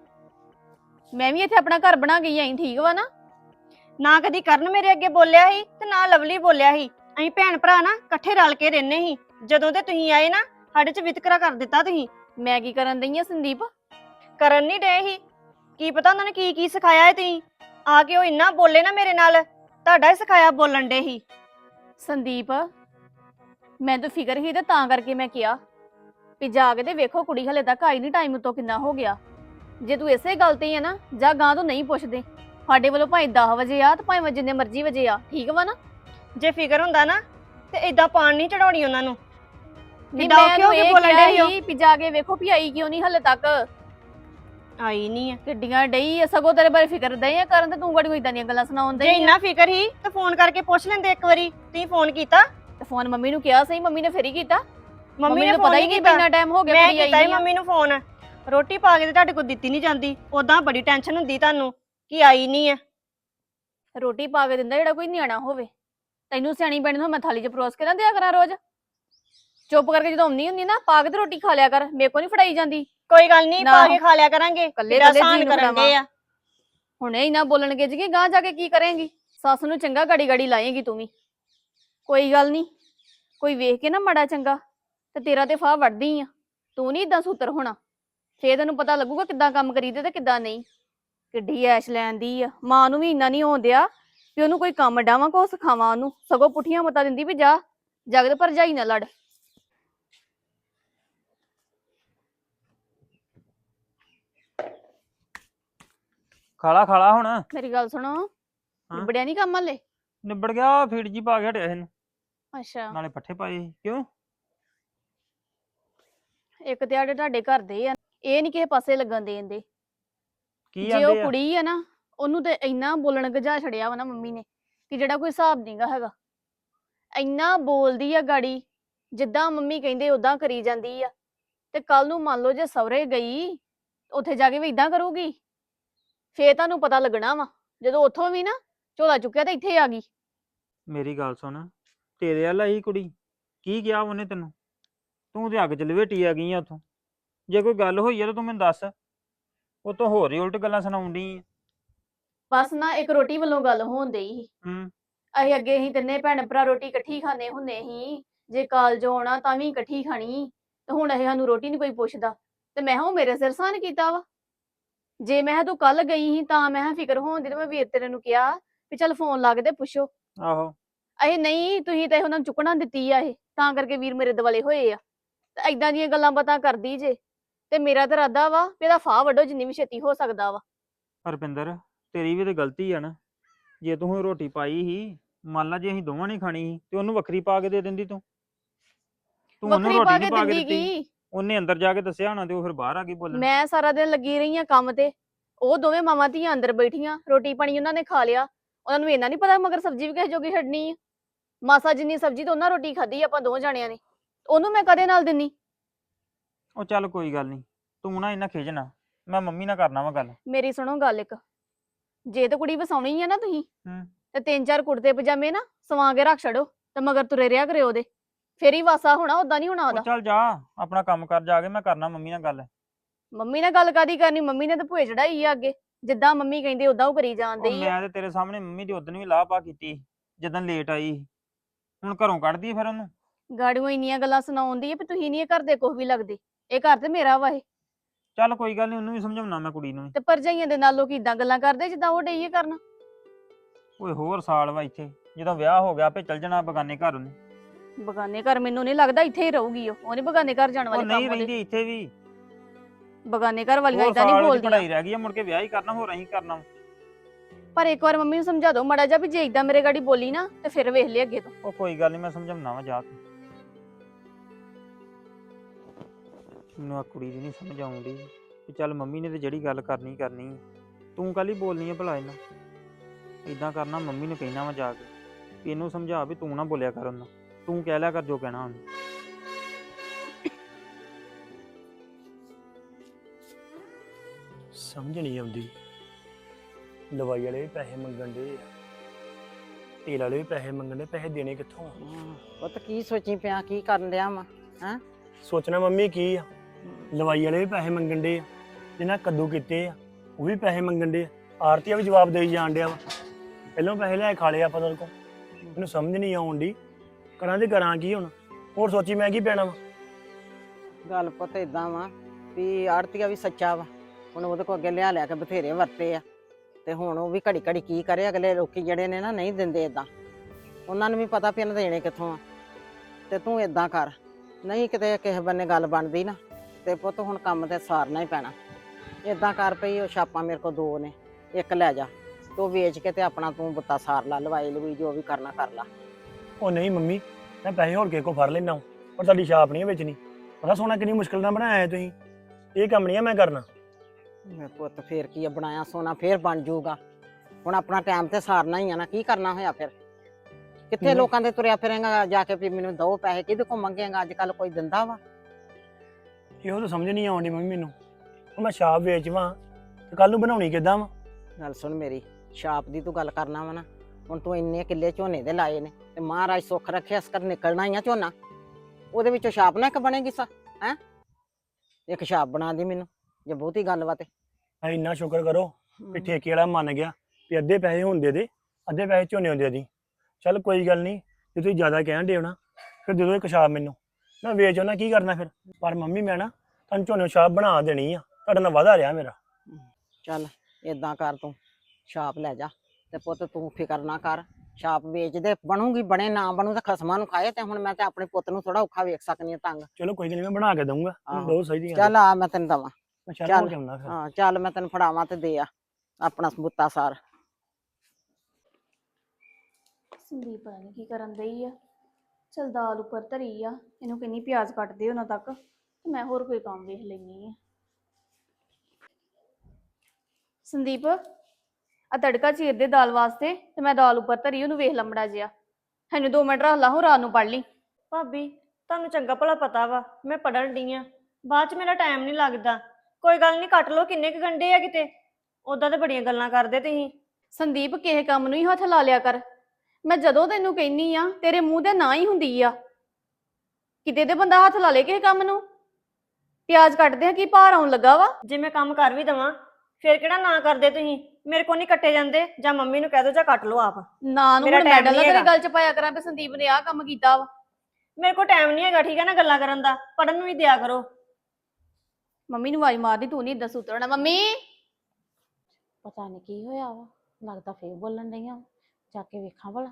Speaker 1: ਮੈਂ ਵੀ ਇੱਥੇ ਆਪਣਾ ਘਰ ਬਣਾ ਗਈ ਆਂ, ਠੀਕ ਵਾ ਨਾ?
Speaker 3: ਨਾ ਕਦੀ ਕਰਨ ਮੇਰੇ ਅੱਗੇ ਬੋਲਿਆ ਸੀ ਤੇ ਨਾ ਲਵਲੀ ਬੋਲਿਆ ਸੀ। ਅਸੀਂ ਭੈਣ ਭਰਾ ਨਾ ਇਕੱਠੇ ਰਲ ਕੇ ਰਹਿੰਦੇ ਸੀ। ਜਦੋਂ ਤੇ ਤੁਸੀਂ ਆਏ ਨਾ, ਸਾਡੇ 'ਚ ਵਿਤਕਰਾ ਕਰ ਦਿੱਤਾ ਤੁਸੀਂ।
Speaker 1: ਮੈਂ ਕੀ ਕਰਨ ਦਈ ਆ ਸੰਦੀਪ?
Speaker 3: ਕਰਨ ਨਹੀਂ ਡਏ ਸੀ। ਕੀ ਪਤਾ ਉਹਨਾਂ ਨੇ ਕੀ ਕੀ ਸਿਖਾਇਆ ਹੈ? ਤੁਸੀਂ ਆ ਕੇ ਉਹ ਇੰਨਾ ਬੋਲੇ ਨਾ ਮੇਰੇ ਨਾਲ, ਤੁਹਾਡਾ ਹੀ ਸਿਖਾਇਆ ਬੋਲਣ ਡੇ ਸੀ।
Speaker 1: ਸੰਦੀਪ, ਮੈਂ ਤਾਂ ਫਿਕਰ ਹੀ ਤੇ ਤਾਂ ਕਰਕੇ ਮੈਂ ਕਿਹਾ ਵੀ ਜਾ ਕੇ ਤੇ ਵੇਖੋ ਕੁੜੀ ਹਲੇ ਤੱਕ ਆਈ ਨਹੀਂ, ਟਾਈਮ ਤੋਂ ਕਿੰਨਾ ਹੋ ਗਿਆ। ਜੇ ਤੂੰ ਇਸੇ ਗੱਲ ਤੇ ਹੀ ਆ ਨਾ, ਜਾਂ ਗਾਂ ਤੋਂ ਨਹੀਂ ਪੁੱਛਦੇ। ਸਾਡੇ ਵੱਲੋਂ ਭਾਵੇਂ 10 ਵਜੇ ਆ ਤੇ ਭਾਵੇਂ ਜਿੰਨੇ ਮਰਜ਼ੀ ਵਜੇ ਆ, ਠੀਕ ਵਾ ਨਾ?
Speaker 3: ਜੇ ਫਿਕਰ ਹੁੰਦਾ ਨਾ ਤੇ ਏਦਾਂ ਪਾਣ ਨਹੀਂ ਚੜਾਉਣੀ ਉਹਨਾਂ ਨੂੰ।
Speaker 1: ਨਹੀਂ,
Speaker 3: ਕਿੱਡਾ
Speaker 1: ਮੈਂ
Speaker 3: ਔਖੇ ਹੋ ਕੇ ਬੋਲਣ
Speaker 1: ਕਿਹਾ
Speaker 3: ਡਏ ਹੋ।
Speaker 1: ਸੀ ਵੀ ਜਾ ਕੇ ਵੇਖੋ ਵੀ ਆਈ ਕਿਉਂ ਨਹੀਂ ਹਲੇ ਤੱਕ।
Speaker 3: ਆਈ ਨਹੀਂ ਆ।
Speaker 1: ਕਿੱਡੀਆਂ ਡਈ ਆ, ਸਗੋਂ ਤੇਰੇ ਬਾਰੇ ਫਿਕਰ ਦਈ ਆ ਕਰਨ, ਤੇ ਤੂੰ ਬੜੀ ਕੋਈ ਇਦਾਂ ਦੀਆਂ ਗੱਲਾਂ ਸੁਣਾਉਣ
Speaker 3: ਜੇ
Speaker 1: ਦਈ ਆ।
Speaker 3: ਇੰਨਾ ਫਿਕਰ ਹੀ ਤਾਂ ਫੋਨ ਕਰਕੇ ਪੁੱਛ ਲੈਂਦੇ ਇੱਕ ਵਾਰੀ। ਤੁਸੀਂ ਫੋਨ ਕੀਤਾ?
Speaker 1: ਤੇ ਫੋਨ ਮੰਮੀ ਨੂੰ ਕਿਹਾ ਸਹੀ, ਮੰਮੀ ਨੇ ਫਿਰ ਹੀ ਕੀਤਾ।
Speaker 3: ਮੰਮੀ ਨੇ
Speaker 1: ਨੂੰ
Speaker 3: ਫੋਨ
Speaker 1: ਪਤਾ ਹੀ
Speaker 3: ਨਹੀਂ
Speaker 1: ਨਹੀਂ
Speaker 3: ਕੀਤਾ।
Speaker 1: ਕਿੰਨਾ ਟਾਈਮ ਹੋ ਗਿਆ
Speaker 3: ਮੈਂ
Speaker 1: ਕੁੜੀ ਆਈ
Speaker 3: ਕੀਤਾ ਹੀ
Speaker 1: ਨਹੀਂ ਆ।
Speaker 3: ਮੰਮੀ ਨੂੰ ਫੋਨ। ਰੋਟੀ ਪਾ ਕੇ ਤੇ ਤੁਹਾਡੇ ਕੋਲ ਦਿੱਤੀ ਨਹੀਂ ਜਾਂਦੀ, ਉਦਾਂ ਬੜੀ ਟੈਨਸ਼ਨ ਹੁੰਦੀ ਤੁਹਾਨੂੰ ਕਿ ਆਈ ਨਹੀਂ ਆ।
Speaker 1: ਰੋਟੀ ਪਾ ਕੇ ਦਿੰਦਾ ਜਿਹੜਾ ਕੋਈ ਨਿਆਣਾ ਹੋਵੇ। ਤੈਨੂੰ ਸਿਆਣੀ ਬਣੀ ਨੂੰ ਮੈਂ ਥਾਲੀ 'ਚ ਪਰੋਸ ਕੇ ਨਾ ਦਿਆ ਕਰਾਂ ਰੋਜ਼? ਚੁੱਪ ਕਰਕੇ ਜਦੋਂ ਆਉਂਦੀ ਹੁੰਦੀ ਨਾ, ਪਾ ਕੇ ਤੇ ਰੋਟੀ ਖਾ ਲਿਆ ਕਰ, ਮੇਰੇ ਕੋ ਨਹੀਂ ਫੜਾਈ ਜਾਂਦੀ।
Speaker 3: ਕੋਈ ਗੱਲ ਨਹੀਂ,
Speaker 1: ਨਾ।
Speaker 3: ਪਾ ਕੇ ਖਾ ਲਿਆ ਕਰਾਂਗੇ।
Speaker 1: ਕੱਲੇ
Speaker 3: ਕਿੱਡਾ
Speaker 1: ਕੱਲੇ
Speaker 3: ਆਸਾਨ
Speaker 1: ਜੀ ਨੂੰ
Speaker 3: ਕਰਨ ਦੇ ਆ।
Speaker 1: ਹੁਣੇ ਹੀ ਨਾ ਬੋਲਣ ਗਿੱਜ ਗਈ, ਗਾਂ ਜਾ ਕੇ ਕੀ ਕਰੇਂਗੀ? ਸੱਸ ਨੂੰ ਚੰਗਾ ਗੜੀ ਗੜੀ ਲਾਏਂਗੀ ਤੂੰ ਵੀ। ਕੋਈ ਗੱਲ ਨਹੀਂ, ਕੋਈ ਵੇਖ ਕੇ ਨਾ ਮਾੜਾ ਚੰਗਾ ਤੇ ਤੇਰਾ ਤੇ ਫਾਹ ਵੜਦੀ ਆ। ਤੂੰ ਨਹੀਂ ਇਦਾਂ ਸੂਤਰ ਹੋਣਾ, ਫੇਰ ਤੈਨੂੰ ਪਤਾ ਲੱਗੂਗਾ ਕਿੱਦਾਂ ਕੰਮ ਕਰੀਦੇ ਤੇ ਕਿੱਦਾਂ ਨਹੀਂ। ਕਿੱਡੀ ਐਸ਼ ਲੈਂਦੀ ਆ। ਮਾਂ ਨੂੰ ਵੀ ਇੰਨਾ ਨਹੀਂ ਆਉਂਦਿਆ ਵੀ ਉਹਨੂੰ ਕੋਈ ਕੰਮ ਡਾਵਾਂ, ਕੋ ਸਿਖਾਵਾਂ ਉਹਨੂੰ, ਸਗੋਂ ਪੁੱਠੀਆਂ ਮਤਾਂ ਦਿੰਦੀ ਵੀ ਜਾ ਜਗ ਤੇ ਭਰਜਾਈ ਨਾ ਲੜ।
Speaker 7: ਖਾਲਾ ਖਾਲਾ ਹੁਣ
Speaker 1: ਮੇਰੀ ਗੱਲ ਸੁਣੋ, ਨਿਬੜਿਆ ਨਹੀਂ ਕੰਮ ਹਲੇ?
Speaker 7: ਨਿਬੜ ਗਿਆ, ਫੀਡ ਜੀ ਪਾ ਕੇ ਹਟਿਆ ਇਹਨੂੰ,
Speaker 1: ਅੱਛਾ,
Speaker 7: ਨਾਲੇ ਪੱਠੇ ਪਾਏ ਸੀ। ਕਿਉਂ?
Speaker 1: ਇੱਕ ਤੇ ਆੜੇ ਤੁਹਾਡੇ ਘਰ ਦੇ ਆ, ਇਹ ਨਹੀਂ ਕਿਸੇ ਪਾਸੇ ਲੱਗਣ ਦੇਂਦੇ।
Speaker 7: ਕੀ
Speaker 1: ਜੇ ਉਹ
Speaker 7: ਆਂਦੇ ਆ?
Speaker 1: ਕੁੜੀ ਆ ਨਾ, ਉਹਨੂੰ ਤੇ ਇੰਨਾ ਬੋਲਣ ਗਜਾ ਛੜਿਆ ਵਾ ਨਾ ਮੰਮੀ ਨੇ ਕਿ ਜਿਹੜਾ ਕੋਈ ਹਿਸਾਬ ਨਹੀਂਗਾ ਹੈਗਾ। ਇੰਨਾ ਬੋਲਦੀ ਆ ਗਾੜੀ, ਜਿੱਦਾਂ ਮੰਮੀ ਕਹਿੰਦੇ ਉਦਾਂ ਕਰੀ ਜਾਂਦੀ ਆ। ਤੇ ਕੱਲ ਨੂੰ ਮੰਨ ਲਓ ਜੇ ਸਹੁਰੇ ਗਈ, ਉੱਥੇ ਜਾ ਕੇ ਵੀ ਇਦਾਂ ਕਰੂਗੀ, ਫੇਰ ਤੁਹਾਨੂੰ ਪਤਾ ਲੱਗਣਾ ਵਾ। ਜਦੋਂ ਉੱਥੋਂ ਵੀ ਨਾ ਝੋਲਾ ਚੁੱਕਿਆ ਤੇ ਇੱਥੇ ਆ ਗਈ।
Speaker 7: ਮੇਰੀ ਗੱਲ ਸੁਣ, ਤੇਰੇ ਵੱਲ ਆਈ ਕੁੜੀ, ਕੀ ਕਿਹਾ ਉਹਨੇ ਤੈਨੂੰ? ਤੂੰ ਤੇ ਅੱਗ ਚ ਲਵੇਟੀ ਆ ਗਈ ਆ ਉੱਥੋਂ। ਜੇ ਕੋਈ ਗੱਲ ਹੋਈ ਆ ਤਾਂ ਤੂੰ ਮੈਨੂੰ ਦੱਸ, ਉਹ ਤੋਂ ਹੋਰ ਹੀ ਉਲਟ ਗੱਲਾਂ ਸੁਣਾਉਣ ਡਈ ਆ।
Speaker 1: ਬਸ ਨਾ ਇੱਕ ਰੋਟੀ ਵੱਲੋਂ ਗੱਲ ਹੋਣ ਡਈ ਸੀ।
Speaker 7: ਹੂੰ।
Speaker 1: ਅਸੀਂ ਅੱਗੇ ਹੀ ਤਿੰਨੇ ਭੈਣ ਭਰਾ ਰੋਟੀ ਇਕੱਠੀ ਖਾਣੇ ਹੁੰਦੇ ਸੀ, ਜੇ ਕਾਲਜੋਂ ਆਉਣਾ ਤਾਂ ਵੀ ਇਕੱਠੀ ਖਾਣੀ। ਤੇ ਹੁਣ ਇਹ ਸਾਨੂੰ ਰੋਟੀ ਨਹੀਂ ਕੋਈ ਪੁੱਛਦਾ, ਤੇ ਮੈਂ ਕਿਹਾ ਉਹ ਮੇਰੇ ਸਿਰ ਸਾਨ ਕੀਤਾ ਵਾ। ਜੇ ਮੈਂ ਕਿਹਾ ਤੂੰ ਕੱਲ ਗਈ ਸੀ ਤਾਂ ਮੈਂ ਕਿਹਾ ਫਿਕਰ ਹੋਣ ਦੀ, ਤੇ ਮੈਂ ਵੀਰ ਤੇਰੇ ਨੂੰ ਕਿਹਾ ਵੀ ਚੱਲ ਫੋਨ ਲਾ ਕੇ ਤੇ ਪੁੱਛੋ।
Speaker 7: ਆਹੋ।
Speaker 1: ਇਹ ਨਹੀਂ, ਤੁਸੀਂ ਤਾਂ ਉਹਨਾਂ ਨੂੰ ਚੁੱਕਣਾ ਦਿੱਤੀ ਆ, ਇਹ ਤਾਂ ਕਰਕੇ ਵੀਰ ਮੇਰੇ ਦੁਆਲੇ ਹੋਏ ਆ। ਤੇ ਏਦਾਂ ਦੀਆਂ ਗੱਲਾਂ ਬਾਤਾਂ ਕਰਦੀ ਜੇ, ਤੇ ਮੇਰਾ ਤਾਂ ਇਰਾਦਾ ਵਾ ਵੀ ਇਹਦਾ ਫਾਹ ਵੱਢੋ ਜਿੰਨੀ ਵੀ ਛੇਤੀ ਹੋ ਸਕਦਾ ਵਾ।
Speaker 7: ਹਰਪਿੰਦਰ, ਤੇਰੀ ਵੀ ਤੇ ਗਲਤੀ ਆ ਨਾ। ਜੇ ਤੂੰ ਹੁਣ ਰੋਟੀ ਪਾਈ ਸੀ, ਮੰਨ ਲਾ ਜੇ ਅਸੀਂ ਦੋਵਾਂ ਨੇ ਖਾਣੀ ਸੀ ਤੇ ਉਹਨੂੰ ਵੱਖਰੀ ਪਾ ਕੇ ਦੇ ਦਿੰਦੀ ਤੂੰ। ਤੂੰ ਉਹਨੂੰ
Speaker 1: ਵੱਖਰੀ
Speaker 7: ਰੋਟੀ
Speaker 1: ਪਾ
Speaker 7: ਨਹੀਂ
Speaker 1: ਕੇ
Speaker 7: ਪਾ ਕੇ
Speaker 1: ਦਿੰਦੀ
Speaker 7: ਦਿੱਤੀ।
Speaker 1: ਕੀ?
Speaker 7: ਉਹਨੇ ਅੰਦਰ ਜਾ ਕੇ ਦੱਸਿਆ ਹੋਣਾ ਤੇ ਉਹ ਫਿਰ ਬਾਹਰ ਆ ਗਈ ਬੋਲਣ।
Speaker 1: ਮੈਂ ਸਾਰਾ ਦਿਨ ਲੱਗੀ ਰਹੀ ਆ ਕੰਮ ਤੇ, ਉਹ ਦੋਵੇਂ ਮਾਵਾਂ ਧੀਆਂ ਅੰਦਰ ਬੈਠੀਆਂ, ਰੋਟੀ ਪਾਣੀ ਉਹਨਾਂ ਨੇ ਖਾ ਲਿਆ। ਉਹਨਾਂ ਨੂੰ ਇਹਨਾਂ ਨਹੀਂ ਪਤਾ ਮਗਰ ਸਬਜ਼ੀ ਵੀ ਕਿਸੇ ਜੋਗੀ ਛੱਡਣੀ ਆ। ਮਾਸਾ ਜਿੰਨੀ ਸਬਜ਼ੀ ਤਾਂ ਉਹਨਾਂ ਰੋਟੀ ਖਾਧੀ ਆਪਾਂ ਦੋ ਜਾਣਿਆਂ ਨੇ, ਉਹਨੂੰ ਮੈਂ ਕਦੇ ਨਾਲ ਦਿੰਨੀ।
Speaker 7: ਉਹ ਚੱਲ ਕੋਈ ਗੱਲ ਨਹੀਂ, ਤੂੰ ਨਾ ਇੰਨਾ ਖਿਜਣਾ, ਮੈਂ ਮੰਮੀ ਨਾਲ ਕਰਨਾ ਵਾ ਗੱਲ।
Speaker 1: ਮੇਰੀ ਸੁਣੋ ਗੱਲ ਇੱਕ, ਜੇ ਤੇ ਕੁੜੀ ਵਸਾਉਣੀ ਆ ਨਾ ਤੁਸੀਂ,
Speaker 7: ਹੂੰ।
Speaker 1: ਤੇ 3-4 ਕੁੜਤੇ ਪਜਾਮੇ ਨਾ ਸਵਾ ਕੇ ਰੱਖ ਛੱਡੋ ਤੇ ਮਗਰ ਤੁਰੇ ਰਿਆ ਕਰਿਓ ਉਹਦੇ, ਫੇਰ ਹੀ ਵਾਸਾ ਹੋਣਾ, ਉਦਾਂ ਨਹੀਂ ਹੋਣਾ
Speaker 7: ਉਹ
Speaker 1: ਉਹਦਾ।
Speaker 7: ਚੱਲ ਜਾ ਆਪਣਾ ਕੰਮ ਕਰ, ਜਾ ਕੇ ਮੈਂ ਕਰਨਾ ਮੰਮੀ ਨਾਲ ਗੱਲ।
Speaker 1: ਮੰਮੀ ਨਾਲ ਗੱਲ ਕਾਦੀ ਕਰਨੀ, ਮੰਮੀ ਨੇ ਤਾਂ ਭੂਏ ਚੜਾਈ ਆ ਅੱਗੇ, ਜਿੱਦਾਂ ਮੰਮੀ ਕਹਿੰਦੀ ਉਦਾਂ ਉਹ ਕਰੀ ਜਾਂਦੇ
Speaker 7: ਉਹ
Speaker 1: ਹੀ ਆ।
Speaker 7: ਮੈਂ ਤੇ ਤੇਰੇ ਸਾਹਮਣੇ ਮੰਮੀ ਦੀ ਉਦਣ ਵੀ ਲਾਹ ਪਾ ਕੀਤੀ ਜਦੋਂ ਲੇਟ ਆਈ ਸੀ। ਹੁਣ ਘਰੋਂ ਕੱਢਦੀ ਫਿਰ ਉਹਨੂੰ।
Speaker 1: ਗਾੜੀਆਂ ਇੰਨੀਆਂ ਗੱਲਾਂ ਸੁਣਾਉਂਦੀ ਆ ਵੀ ਤੁਸੀਂ ਨਹੀਂ ਇਹ ਘਰ ਦੇ ਕੁਛ ਵੀ ਲੱਗਦੇ, ਇਹ ਘਰ ਤੇ ਮੇਰਾ ਵਾ ਇਹ।
Speaker 7: ਚੱਲ ਕੋਈ ਗੱਲ ਨਹੀਂ, ਉਹਨੂੰ ਵੀ ਸਮਝਾਉਣਾ ਮੈਂ ਕੁੜੀ ਨੂੰ ਵੀ।
Speaker 1: ਤੇ ਭਰਜਾਈਆਂ ਦੇ ਨਾਲ ਲੋਕ ਇਦਾਂ ਗੱਲਾਂ ਕਰਦੇ ਜਿੱਦਾਂ ਉਹ ਡਈਏ ਕਰਨ।
Speaker 7: ਓਏ ਹੋਰ ਸਾਲ ਵਾ ਇੱਥੇ, ਜਦੋਂ ਵਿਆਹ ਹੋ ਗਿਆ ਆਪੇ ਚੱਲ ਜਾਣਾ ਬਗਾਨੇ ਘਰ ਉਹਨੇ।
Speaker 1: ਬਗਾਨੇ ਘਰ ਮੈਨੂੰ ਨਹੀਂ ਲੱਗਦਾ ਇੱਥੇ ਹੀ ਰਹੂਗੀ, ਉਹ ਨਹੀਂ ਬਗਾਨੇ ਘਰ ਜਾਣ
Speaker 7: ਉਹ
Speaker 1: ਵਾਲੇ
Speaker 7: ਨਹੀਂ
Speaker 1: ਕੰਮ ਉਹਦੇ।
Speaker 7: ਰਹਿੰਦੀ ਇੱਥੇ ਵੀ,
Speaker 1: ਬਗਾਨੇ ਘਰ ਵਾਲੀਆਂ
Speaker 7: ਹੋਰ
Speaker 1: ਇਦਾਂ
Speaker 7: ਸਾਲ
Speaker 1: ਨਹੀਂ
Speaker 7: ਦੀ
Speaker 1: ਬੋਲਦੀਆਂ।
Speaker 7: ਪੜ੍ਹਾਈ ਰਹਿ ਗਈ ਆ, ਮੁੜ ਕੇ ਵਿਆਹ ਹੀ ਕਰਨਾ, ਹੋਰ ਅਸੀਂ ਕਰਨਾ ਵਾ।
Speaker 1: ਪਰ ਇੱਕ ਵਾਰ ਮੰਮੀ ਨੂੰ ਸਮਝਾ ਦਿਓ ਮੜਾ ਜਾ ਵੀ ਜੇ ਇਦਾਂ ਮੇਰੇ ਗਾੜੀ ਬੋਲੀ ਨਾ ਤੇ ਫਿਰ ਵੇਖ ਲਈ ਅੱਗੇ ਤੋਂ।
Speaker 7: ਉਹ ਕੋਈ ਗੱਲ ਨਹੀਂ, ਮੈਂ ਸਮਝਾਉਣਾ ਵਾ, ਜਾ ਕੇ। ਮੈਨੂੰ ਆ ਕੁੜੀ ਦੀ ਨਹੀਂ ਸਮਝ ਆਉਂਦੀ ਵੀ ਚੱਲ ਮੰਮੀ ਨੇ ਤੇ ਜਿਹੜੀ ਗੱਲ ਕਰਨੀ ਕਰਨੀ ਆ। ਤੂੰ ਕੱਲ ਹੀ ਬੋਲਣੀ ਆ ਭਲਾ ਇਹਨਾਂ ਇਦਾਂ ਕਰਨਾ, ਮੰਮੀ ਨੂੰ ਕਹਿਣਾ ਵਾ ਜਾ ਕੇ ਵੀ ਇਹਨੂੰ ਸਮਝਾ ਵੀ ਤੂੰ ਨਾ ਬੋਲਿਆ ਕਰ ਉਹਨਾਂ, ਤੂੰ ਕਹਿ ਲਿਆ ਕਰ ਜੋ ਕਹਿਣਾ ਉਹਨੂੰ।
Speaker 5: ਸਮਝ ਨਹੀਂ ਆਉਂਦੀ, ਦਵਾਈ ਵਾਲੇ ਵੀ ਪੈਸੇ ਮੰਗਣ ਦੇ ਆ, ਤੇਲ ਵਾਲੇ ਵੀ ਪੈਸੇ ਮੰਗਣ ਦੇ, ਪੈਸੇ ਦੇਣੇ ਕਿੱਥੋਂ ਆ?
Speaker 6: ਪੁੱਤ ਕੀ ਸੋਚੀ ਪਿਆ, ਕੀ ਕਰਨ ਡਿਆ ਵਾ? ਹੈਂ?
Speaker 5: ਸੋਚਣਾ ਮੰਮੀ ਕੀ ਆ, ਦਵਾਈ ਵਾਲੇ ਵੀ ਪੈਸੇ ਮੰਗਣ ਦੇ ਆ, ਜਿਹਨਾਂ ਕੱਦੂ ਕੀਤੇ ਆ ਉਹ ਵੀ ਪੈਸੇ ਮੰਗਣ ਦੇ ਆ, ਆਰਤੀਆ ਵੀ ਜਵਾਬ ਦੇਈ ਜਾਣ ਡਿਆ ਵਾ, ਪਹਿਲਾਂ ਪੈਸੇ ਲੈ ਖਾ ਲਏ ਆਪਾਂ ਤੁਹਾਡੇ ਕੋਲ। ਮੈਨੂੰ ਸਮਝ ਨਹੀਂ ਆਉਣ ਦੀ, ਕਰਾਂ ਤੇ ਕਰਾਂ ਕੀ ਹੁਣ? ਹੋਰ ਸੋਚੀ ਮੈਂ ਕੀ ਪੈਣਾ ਵਾ?
Speaker 6: ਗੱਲ ਪੁੱਤ ਏਦਾਂ ਵਾ ਵੀ ਆੜਤੀਆ ਵੀ ਸੱਚਾ ਵਾ, ਹੁਣ ਉਹਦੇ ਕੋਲ ਅੱਗੇ ਲਿਆ ਕੇ ਬਥੇਰੇ ਵਰਤੇ ਆ, ਤੇ ਹੁਣ ਉਹ ਵੀ ਘੜੀ ਘੜੀ ਕੀ ਕਰੇ। ਅਗਲੇ ਲੋਕੀ ਜਿਹੜੇ ਨੇ ਨਾ ਨਹੀਂ ਦਿੰਦੇ ਏਦਾਂ, ਉਹਨਾਂ ਨੂੰ ਵੀ ਪਤਾ ਵੀ ਇਹਨਾਂ ਦੇਣੇ ਕਿੱਥੋਂ ਆ। ਤੇ ਤੂੰ ਏਦਾਂ ਕਰ, ਨਹੀਂ ਕਿਤੇ ਕਿਸੇ ਬੰਨੇ ਗੱਲ ਬਣਦੀ ਨਾ ਤੇ ਪੁੱਤ ਹੁਣ ਕੰਮ ਤੇ ਸਾਰਨਾ ਹੀ ਪੈਣਾ। ਏਦਾਂ ਕਰ ਪਈ, ਉਹ ਛਾਪਾਂ ਮੇਰੇ ਕੋਲ 2 ਨੇ, ਇੱਕ ਲੈ ਜਾ, ਤੂੰ ਵੇਚ ਕੇ ਤੇ ਆਪਣਾ ਤੂੰ ਬੁੱਤਾ ਸਾਰ ਲਾ, ਲਵਾਈ ਲਵੂਈ ਜੋ ਵੀ ਕਰਨਾ ਕਰ ਲਾ।
Speaker 5: ਉਹ ਨਹੀਂ ਮੰਮੀ, ਮੈਂ ਪੈਸੇ ਹੋਰ ਕਿਸੇ ਕੋਲ ਫੜ ਲੈਣਾ, ਪਰ ਤੁਹਾਡੀ ਛਾਪ ਨਹੀਂ ਵੇਚਣੀ। ਪਤਾ ਸੋਨਾ ਕਿੰਨੀ ਮੁਸ਼ਕਿਲ ਨਾਲ ਬਣਾਇਆ ਤੁਸੀਂ, ਇਹ ਕੰਮ ਨਹੀਂ ਆ ਮੈਂ ਕਰਨਾ।
Speaker 6: ਮੈਂ ਪੁੱਤ ਫੇਰ ਕੀ ਆ, ਬਣਾਇਆ ਸੋਨਾ ਫੇਰ ਬਣ ਜਾਊਗਾ। ਹੁਣ ਆਪਣਾ ਟਾਈਮ ਤੇ ਸਾਰਨਾ ਹੀ ਆ ਨਾ, ਕੀ ਕਰਨਾ ਹੋਇਆ ਫਿਰ? ਕਿੱਥੇ
Speaker 5: ਨਹੀਂ।
Speaker 6: ਲੋਕਾਂ ਦੇ ਤੁਰਿਆ ਫਿਰੇਗਾ ਜਾ ਕੇ ਵੀ ਮੈਨੂੰ ਦੋ ਪੈਸੇ, ਕਿਹਦੇ ਕੋਲ ਮੰਗੇਗਾ? ਅੱਜ ਕੱਲ ਕੋਈ ਦਿੰਦਾ ਵਾ?
Speaker 5: ਇਹੋ ਤਾਂ ਸਮਝ ਨਹੀਂ ਆਉਂਦੀ ਮੰਮੀ ਮੈਨੂੰ, ਹੁਣ ਮੈਂ ਛਾਪ ਵੇਚਵਾਂ ਤੇ ਕੱਲ ਨੂੰ ਬਣਾਉਣੀ ਕਿੱਦਾਂ ਵਾ?
Speaker 6: ਗੱਲ ਸੁਣ ਮੇਰੀ, ਛਾਪ ਦੀ ਤੂੰ ਗੱਲ ਕਰਨਾ ਵਾ ਨਾ, ਹੁਣ ਤੂੰ ਇੰਨੇ ਕਿੱਲੇ ਝੋਨੇ ਦੇ ਲਾਏ ਨੇ ਤੇ ਮਹਾਰਾਜ ਸੁੱਖ ਰੱਖੇ ਅਸਕਰ ਨਿਕਲਣਾ ਹੀ ਆ ਝੋਨਾ, ਉਹਦੇ ਵਿੱਚੋਂ ਛਾਪ ਨਾ ਇੱਕ ਬਣੇਗੀ ਸਾ ਹੈ? ਇੱਕ ਛਾਪ ਬਣਾ ਦੀ ਮੈਨੂੰ, ਜੇ ਬਹੁਤੀ ਗੱਲ ਵਾ ਤੇ।
Speaker 5: ਐ ਇੰਨਾ ਸ਼ੁਕਰ ਕਰੋ ਵੀ ਠੇਕੇ ਵਾਲਾ ਮੰਨ ਗਿਆ ਵੀ ਅੱਧੇ ਪੈਸੇ ਹੁਣ ਦੇ ਦੇ, ਅੱਧੇ ਪੈਸੇ ਝੋਨੇ ਹੁੰਦੇ ਦੀ। ਚੱਲ ਕੋਈ ਗੱਲ ਨਹੀਂ, ਜੇ ਤੁਸੀਂ ਜ਼ਿਆਦਾ ਕਹਿਣ ਦੇ ਹੋਣਾ ਫਿਰ ਦੇ ਦਿਓ ਇੱਕ ਛਾਪ ਮੈਨੂੰ, ਮੈਂ ਵੇਚ ਆਉਣਾ, ਕੀ ਕਰਨਾ ਫਿਰ? ਪਰ ਮੰਮੀ ਮੈਂ ਨਾ ਤੁਹਾਨੂੰ ਝੋਨੇ ਛਾਪ ਬਣਾ ਦੇਣੀ ਆ, ਤੁਹਾਡੇ ਨਾਲ ਵਾਅਦਾ ਰਿਹਾ ਮੇਰਾ।
Speaker 6: ਚੱਲ ਏਦਾਂ ਕਰ, ਤੂੰ ਛਾਪ ਲੈ ਜਾ ਤੇ ਪੁੱਤ ਤੂੰ ਫਿਕਰ ਨਾ ਕਰ, ਛਾਪ ਵੇਚ ਦੇ, ਬਣੂਗੀ ਬਣੇ ਨਾ ਬਣੂ ਤਾਂ ਖਸਮਾਂ ਨੂੰ ਖਾਏ। ਤੇ ਹੁਣ ਮੈਂ ਤੇ ਆਪਣੇ ਪੁੱਤ ਨੂੰ ਥੋੜਾ ਔਖਾ ਵੇਖ ਸਕਨੀ ਆ ਤੰਗ।
Speaker 5: ਚਲੋ ਕੋਈ ਗੱਲ ਨਹੀਂ, ਮੈਂ ਬਣਾ ਕੇ ਦਊਂਗਾ,
Speaker 6: ਆਹੋ।
Speaker 5: ਬਹੁਤ ਸਹੀ ਦੀਆਂ।
Speaker 6: ਚੱਲ ਆ ਮੈਂ ਤੈਨੂੰ ਦਵਾਂ,
Speaker 5: ਮੈਂ ਚੱਲ
Speaker 6: ਚੱਲ।
Speaker 5: ਹੋ ਕੇ ਆਉਣਾ ਫਿਰ।
Speaker 6: ਹਾਂ ਚੱਲ ਮੈਂ ਤੈਨੂੰ ਫੜਾਵਾਂ ਤੇ ਦੇ ਆ ਆਪਣਾ ਬੁੱਤਾ ਸਾਰ।
Speaker 1: ਸੰਦੀਪ ਪਤਾ ਨੀ ਕੀ ਕਰਨ ਦਈ ਆ, ਚਲ ਦਾਲ ਉੱਪਰ ਧਰੀ ਆ, ਇਹਨੂੰ ਕਿੰਨੀ ਪਿਆਜ਼ ਕੱਟਦੇ ਉਹਨਾਂ ਤੱਕ ਤੇ ਮੈਂ ਹੋਰ ਕੋਈ ਕੰਮ ਵੇਖ ਲੈਣੀ ਆ। ਸੰਦੀਪ ਆ ਤੜਕਾ ਚੀਰ ਦੇ ਦਾਲ ਵਾਸਤੇ, ਤੇ ਮੈਂ ਦਾਲ ਉੱਪਰ ਧਰੀ, ਉਹਨੂੰ ਵੇਖ ਲੰਮੜਾ ਜਿਆ, ਇਹਨੂੰ 2 ਮਿੰਟ ਰੱਖ ਲਾ, ਹੋ ਰਾਤ ਨੂੰ ਪੜ ਲਈ।
Speaker 3: ਭਾਬੀ ਤੁਹਾਨੂੰ ਚੰਗਾ ਭਲਾ ਪਤਾ ਵਾ ਮੈਂ ਪੜਨ ਡਈ ਆ, ਬਾਅਦ ਚ ਮੇਰਾ ਟਾਈਮ ਨਹੀਂ ਲੱਗਦਾ। ਕੋਈ ਗੱਲ ਨਹੀਂ, ਕੱਟ ਲਓ, ਕਿੰਨੇ ਕੁ ਗੰਢੇ ਆ ਕਿਤੇ, ਉਦਾਂ ਤੇ ਬੜੀਆਂ ਗੱਲਾਂ ਕਰਦੇ ਤੁਸੀਂ।
Speaker 1: ਸੰਦੀਪ ਕਿਸੇ ਕੰਮ ਨੂੰ ਹੀ ਹੱਥ ਲਾ ਲਿਆ ਕਰ, ਮੈਂ ਜਦੋਂ ਤੈਨੂੰ ਕਹਿਨੀ ਆ ਤੇਰੇ ਮੂੰਹ ਤੇ ਨਾ ਹੀ ਹੁੰਦੀ ਆ, ਕਿਤੇ ਤੇ ਬੰਦਾ ਹੱਥ ਲਾ ਲੇ ਕਿਸੇ ਕੰਮ ਨੂੰ। ਪਿਆਜ਼ ਕੱਟਦੇ ਆ ਕੀ ਭਾਰ ਆਉਣ ਲੱਗਾ ਵਾ?
Speaker 3: ਜੇ ਮੈਂ ਕੰਮ ਕਰ ਵੀ ਦਵਾਂ ਫਿਰ ਕਿਹੜਾ ਨਾ ਕਰਦੇ ਤੁਸੀਂ? ਮੇਰੇ ਕੋਲ ਨਹੀਂ ਕੱਟੇ ਜਾਂਦੇ, ਜਾਂ ਮੰਮੀ ਨੂੰ ਕਹਿ ਦੋ ਜਾਂ ਕੱਟ ਲਓ ਆਪ।
Speaker 1: ਨਾ ਨੂੰ
Speaker 3: ਮੇਰਾ
Speaker 1: ਹੁਣ
Speaker 3: time
Speaker 1: ਮੈਡਲ ਨਾ
Speaker 3: ਨੀ
Speaker 1: ਤੇਰੇ
Speaker 3: ਹੈਗਾ।
Speaker 1: ਗੱਲ ਚ ਪਾਇਆ ਕਰਾਂ ਵੀ ਸੰਦੀਪ ਨੇ ਆਹ ਕੰਮ ਕੀਤਾ ਵਾ।
Speaker 3: ਮੇਰੇ ਕੋਲ ਟਾਈਮ ਨਹੀਂ ਹੈਗਾ, ਠੀਕ ਹੈ ਨਾ, ਗੱਲਾਂ ਕਰਨ ਦਾ, ਪੜਨ ਨੂੰ ਵੀ ਦਿਆ ਕਰੋ।
Speaker 1: ਮੰਮੀ ਨੂੰ ਆਵਾਜ਼ ਮਾਰਦੀ, ਤੂੰ ਨਹੀਂ ਦੱਸ ਉਤਰਨਾ। ਮੰਮੀ
Speaker 4: ਪਤਾ ਨਹੀਂ ਕੀ ਹੋਇਆ ਵਾ, ਲੱਗਦਾ ਫੇਰ ਬੋਲਣ ਡਈਆਂ, ਜਾ ਕੇ ਵੇਖਾਂ ਭਲਾ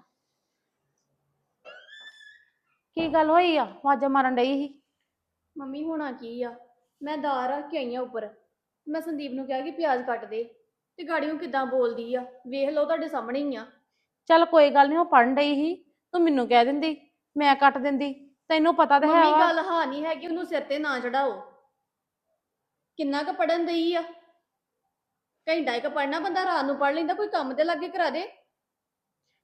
Speaker 4: ਕੀ ਗੱਲ ਹੋਈ ਆ, ਆਵਾਜ਼ਾਂ ਮਾਰਨ ਡਈ ਸੀ।
Speaker 1: ਮੰਮੀ ਹੋਣਾ ਕੀ ਆ, ਮੈਂ ਦਾਲ ਰੱਖ ਕੇ ਆਈ ਆ ਉੱਪਰ, ਮੈਂ ਸੰਦੀਪ ਨੂੰ ਕਿਹਾ ਕਿ ਪਿਆਜ਼ ਕੱਟ ਦੇ, ਤੇ ਗਾੜੀਆਂ ਕਿਦਾਂ ਬੋਲਦੀ ਆ, ਵੇਖ ਲਓ ਤੁਹਾਡੇ ਸਾਹਮਣੇ ਹੀ ਆ।
Speaker 4: ਚੱਲ ਕੋਈ ਗੱਲ ਨਹੀਂ, ਉਹ ਪੜਨ ਡਈ ਸੀ, ਤੂੰ ਮੈਨੂੰ ਕਹਿ ਦਿੰਦੀ, ਮੈਂ ਕੱਟ ਦਿੰਦੀ, ਤੈਨੂੰ ਪਤਾ ਤਾਂ ਹੈ
Speaker 1: ਮੰਮੀ
Speaker 4: ਵਾ।
Speaker 1: ਗੱਲ ਹਾਂ ਨਹੀਂ ਹੈ ਕਿ ਉਹਨੂੰ ਸਿਰ ਤੇ ਨਾ ਚੜਾਓ, ਕਿੰਨਾ ਕੁ ਪੜਨ ਦਈ ਆ, ਘੰਟਾ ਇੱਕ ਪੜਨਾ ਬੰਦਾ ਰਾਤ ਨੂੰ ਪੜ ਲੈਂਦਾ, ਕੋਈ ਕੰਮ ਤੇ ਲੱਗੇ ਕਰਾ ਦੇ।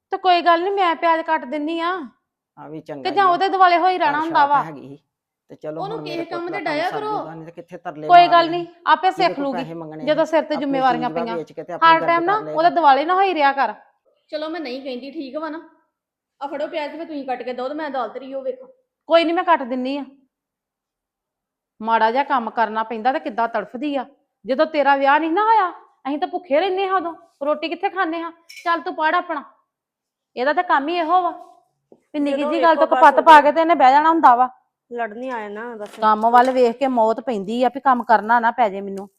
Speaker 4: ਤੇ ਕੋਈ ਗੱਲ ਨਹੀਂ, ਮੈਂ ਪਿਆਜ਼ ਕੱਟ ਦਿੰਨੀ ਆ
Speaker 6: ਆ ਵੀ ਚੰਗਾ
Speaker 4: ਕਿ
Speaker 6: ਹੀ
Speaker 4: ਜਾਂ
Speaker 6: ਆ।
Speaker 4: ਉਹਦੇ ਦੁਆਲੇ ਹੋਈ ਰਹਿਣਾ
Speaker 6: ਪਰ
Speaker 4: ਹੁੰਦਾ
Speaker 6: ਛਾਪ
Speaker 4: ਵਾ।
Speaker 6: ਹੈਗੀ ਸੀ। ਤੇ ਚਲੋ
Speaker 1: ਉਹਨੂੰ
Speaker 6: ਹੁਣ
Speaker 1: ਕਿਸੇ
Speaker 6: ਮੇਰੇ
Speaker 1: ਕੰਮ
Speaker 6: ਪੁੱਤ
Speaker 1: ਤੇ
Speaker 6: ਦਾ
Speaker 1: ਡਾਇਆ
Speaker 6: ਸਰ
Speaker 1: ਕਰੋ।
Speaker 6: ਜੂਗਾ, ਨਹੀਂ ਤੇ ਕਿੱਥੇ ਤਰਲੇ
Speaker 4: ਕੋਈ ਗੱਲ
Speaker 6: ਮਾਰਨੇ
Speaker 4: ਨਹੀਂ, ਆਪੇ
Speaker 6: ਜਿਹਦੇ
Speaker 4: ਸਿੱਖ
Speaker 6: ਕੋਲ
Speaker 4: ਲੂਗੀ
Speaker 6: ਪੈਸੇ ਮੰਗਣੇ
Speaker 4: ਜਦੋਂ ਸਿਰ ਤੇ
Speaker 6: ਆਪਣੀ
Speaker 4: ਜ਼ਿੰਮੇਵਾਰੀਆਂ
Speaker 6: ਚੀਜ਼ ਵਾ
Speaker 4: ਪਈਆਂ।
Speaker 6: ਵੇਚ ਕੇ ਤੇ ਆਪਣੀ
Speaker 4: ਹਰ
Speaker 6: ਗਰਦ
Speaker 4: ਟਾਈਮ ਨਾ
Speaker 6: ਕਰ ਲਏਗਾ।
Speaker 4: ਉਹਦੇ ਦੁਆਲੇ ਨਾ ਹੋਈ ਰਿਆ ਕਰ।
Speaker 1: ਚਲੋ ਮੈਂ ਨਹੀਂ ਕਹਿੰਦੀ, ਠੀਕ ਵਾ ਨਾ। ਆ ਫੜੋ ਪਿਆਜ਼ ਤੇ ਤੁਸੀਂ ਕੱਟ ਕੇ ਦੋ ਤੇ ਮੈਂ ਦਾਲ ਤਰੀ ਉਹ ਵੇਖੋ।
Speaker 4: ਕੋਈ ਨਹੀਂ, ਮੈਂ ਕੱਟ ਦਿੰਨੀ ਆ। ਮਾੜਾ ਜਿਹਾ ਕੰਮ ਕਰਨਾ ਪੈਂਦਾ ਤੇ ਕਿੱਦਾਂ ਤੜਫਦੀ ਆ। ਜਦੋਂ ਤੇਰਾ ਵਿਆਹ ਨਹੀਂ ਨਾ ਹੋਇਆ, ਅਸੀਂ ਤਾਂ ਭੁੱਖੇ ਰਹਿੰਦੇ ਹਾਂ ਉਦੋਂ, ਰੋਟੀ ਕਿੱਥੇ ਖਾਂਦੇ ਹਾਂ। ਚੱਲ ਤੂੰ ਪੜ ਆਪਣਾ, ਇਹਦਾ ਤਾਂ ਕੰਮ ਹੀ ਇਹੋ ਵਾ ਵੀ ਨਿੱਕੀ
Speaker 3: ਜਦੋਂ
Speaker 4: ਜੀ ਗੱਲ ਤੋਂ
Speaker 3: ਵੇਖੋ
Speaker 4: ਕਪੱਤ
Speaker 3: ਬਸ
Speaker 4: ਪਾ ਕੇ ਤੇ ਇਹਨੇ ਬਹਿ ਜਾਣਾ ਹੁੰਦਾ ਵਾ।
Speaker 3: ਲੜਨੀ ਆਏ ਨਾ ਬਸ।
Speaker 4: ਕੰਮ ਵੱਲ ਵੇਖ ਕੇ ਮੌਤ ਪੈਂਦੀ ਆ ਵੀ ਕੰਮ ਕਰਨਾ ਨਾ ਪੈ ਜੇ ਮੈਨੂੰ।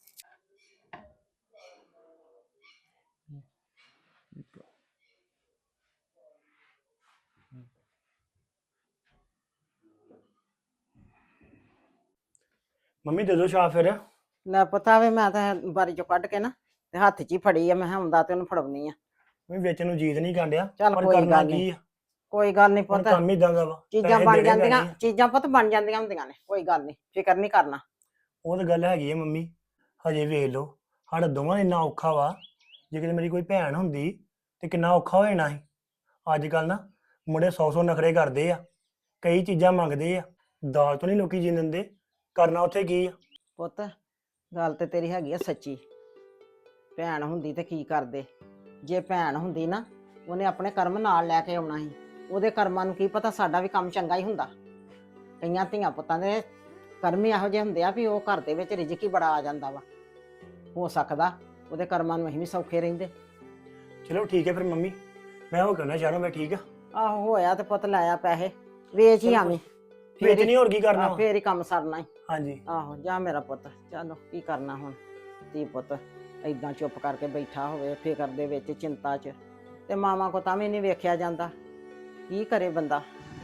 Speaker 5: ਮੰਮੀ ਦੇ ਦਿਓ ਛਾਪ ਫਿਰ।
Speaker 6: ਲੈ ਪਤਾ ਵੇ ਮੈਂ ਤਾਂ ਬਾਰੀ ਚੋਂ ਕੱਢ ਕੇ ਨਾ ਤੇ ਹੱਥ 'ਚ ਹੀ ਫੜੀ ਆ। ਮੈਂ ਕਿਹਾ ਆਉਂਦਾ ਤੇ ਉਹਨੂੰ ਫੜਾਉਣੀ ਆ।
Speaker 5: ਮੈਂ ਵਿੱਚ ਨੂੰ ਜੀਤ ਨਹੀਂ ਕਾਂਡਿਆ,
Speaker 6: ਚੱਲ
Speaker 5: ਪਰ
Speaker 6: ਕੋਈ
Speaker 5: ਕਰਨਾ
Speaker 6: ਗੱਲ
Speaker 5: ਕੀ
Speaker 6: ਨਹੀਂ,
Speaker 5: ਆ।
Speaker 6: ਕੋਈ ਗੱਲ ਨਹੀਂ
Speaker 5: ਹੁਣ
Speaker 6: ਪੁੱਤ।
Speaker 5: ਕੰਮ ਹੀ ਇਦਾਂ ਦਾ ਵਾ,
Speaker 6: ਚੀਜ਼ਾਂ
Speaker 5: ਪੈਸੇ
Speaker 6: ਬਣ
Speaker 5: ਦੇਣੇ ਪੈਣੇ
Speaker 6: ਜਾਂਦੀਆਂ,
Speaker 5: ਆ।
Speaker 6: ਚੀਜ਼ਾਂ ਪੁੱਤ ਬਣ ਜਾਂਦੀਆਂ ਹੁੰਦੀਆਂ ਨੇ, ਕੋਈ ਗੱਲ ਨਹੀਂ, ਫਿਕਰ ਨਹੀਂ ਕਰਨਾ।
Speaker 5: ਉਹ ਤਾਂ ਗੱਲ ਹੈਗੀ ਹੈ ਮੰਮੀ, ਹਜੇ ਵੇਖ ਲਓ ਸਾਡਾ ਦੋਵਾਂ ਦਾ ਇੰਨਾ ਔਖਾ ਵਾ। ਜੇ ਕਿਤੇ ਮੇਰੀ ਕੋਈ ਭੈਣ ਹੁੰਦੀ ਤੇ ਕਿੰਨਾ ਔਖਾ ਹੋ ਜਾਣਾ ਸੀ। ਅੱਜ ਕੱਲ ਨਾ ਮੁੰਡੇ 100 ਨਖਰੇ ਕਰਦੇ ਆ, ਕਈ ਚੀਜ਼ਾਂ ਮੰਗਦੇ ਆ। ਦਾਲ ਤੋਂ ਨਹੀਂ ਲੋਕੀ ਜੀਣ ਦਿੰਦੇ, ਕਰਨਾ ਉੱਥੇ ਕੀ ਆ।
Speaker 6: ਪੁੱਤ ਗੱਲ ਤੇ ਤੇਰੀ ਹੈਗੀ ਆ ਸੱਚੀ। ਭੈਣ ਹੁੰਦੀ ਤੇ ਕੀ ਕਰਦੇ। ਜੇ ਭੈਣ ਹੁੰਦੀ ਨਾ, ਉਹਨੇ ਆਪਣੇ ਕਰਮ ਨਾਲ ਲੈ ਕੇ ਆਉਣਾ ਸੀ। ਉਹਦੇ ਕਰਮਾਂ ਨੂੰ ਕੀ ਪਤਾ ਸਾਡਾ ਵੀ ਕੰਮ ਚੰਗਾ ਹੀ ਹੁੰਦਾ। ਕਈਆਂ ਧੀਆਂ ਪੁੱਤਾਂ ਦੇ ਕਰਮ ਹੀ ਇਹੋ ਜਿਹੇ ਹੁੰਦੇ ਆ ਵੀ ਉਹ ਘਰ ਦੇ ਵਿੱਚ ਰਿਜ਼ਕ ਹੀ ਬੜਾ ਆ ਜਾਂਦਾ ਵਾ। ਹੋ ਸਕਦਾ ਉਹਦੇ ਕਰਮਾਂ ਨੂੰ ਅਸੀਂ ਵੀ ਸੌਖੇ ਰਹਿੰਦੇ।
Speaker 5: ਚਲੋ ਠੀਕ ਹੈ ਫਿਰ ਮੰਮੀ, ਮੈਂ ਉਹ ਕਰਨਾ ਸ਼ਹਿਰੋਂ, ਮੈਂ ਠੀਕ ਆ।
Speaker 6: ਆਹੋ ਹੋਇਆ ਤੇ ਪੁੱਤ ਲਾਇਆ ਪੈਸੇ, ਵੇਚ ਹੀ ਆਵੀਂ।
Speaker 5: ਵਿੱਚ ਨਹੀਂ ਹੋਰ ਕੀ ਕਰਨਾ ਵਾ।
Speaker 6: ਫੇਰ ਹੀ ਕੰਮ ਸਰਨਾ ਹੀ।
Speaker 5: ਹਾਂਜੀ
Speaker 6: ਆਹੋ ਜਾ ਮੇਰਾ ਪੁੱਤ, ਚਲੋ ਕੀ ਕਰਨਾ ਹੁਣ। ਧੀ ਪੁੱਤ ਏਦਾਂ ਚੁੱਪ ਕਰਕੇ ਬੈਠਾ ਹੋਵੇ ਫਿਕਰ ਦੇ ਵਿੱਚ, ਚਿੰਤਾ 'ਚ, ਤੇ ਮਾਵਾਂ ਕੋ ਤਾਂ ਵੀ ਨਹੀਂ ਵੇਖਿਆ ਜਾਂਦਾ। ਕੀ ਕਰੇ ਬੰਦਾ।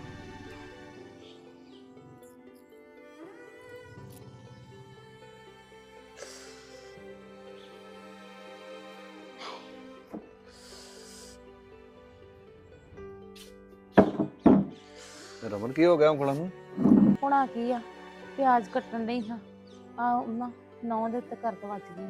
Speaker 8: ਰਮਨ ਕੀ ਹੋ ਗਿਆ ਉਂਗਲਾਂ ਨੂੰ?
Speaker 4: ਹੋਣਾ ਕੀ ਆ, ਪਿਆਜ਼ ਕੱਟਣ ਨਹੀਂ ਹਾਂ ਆ ਉਹਨਾਂ 9 ਦੇ ਉੱਤੇ ਕਰਦ ਵੱਜ ਗਈ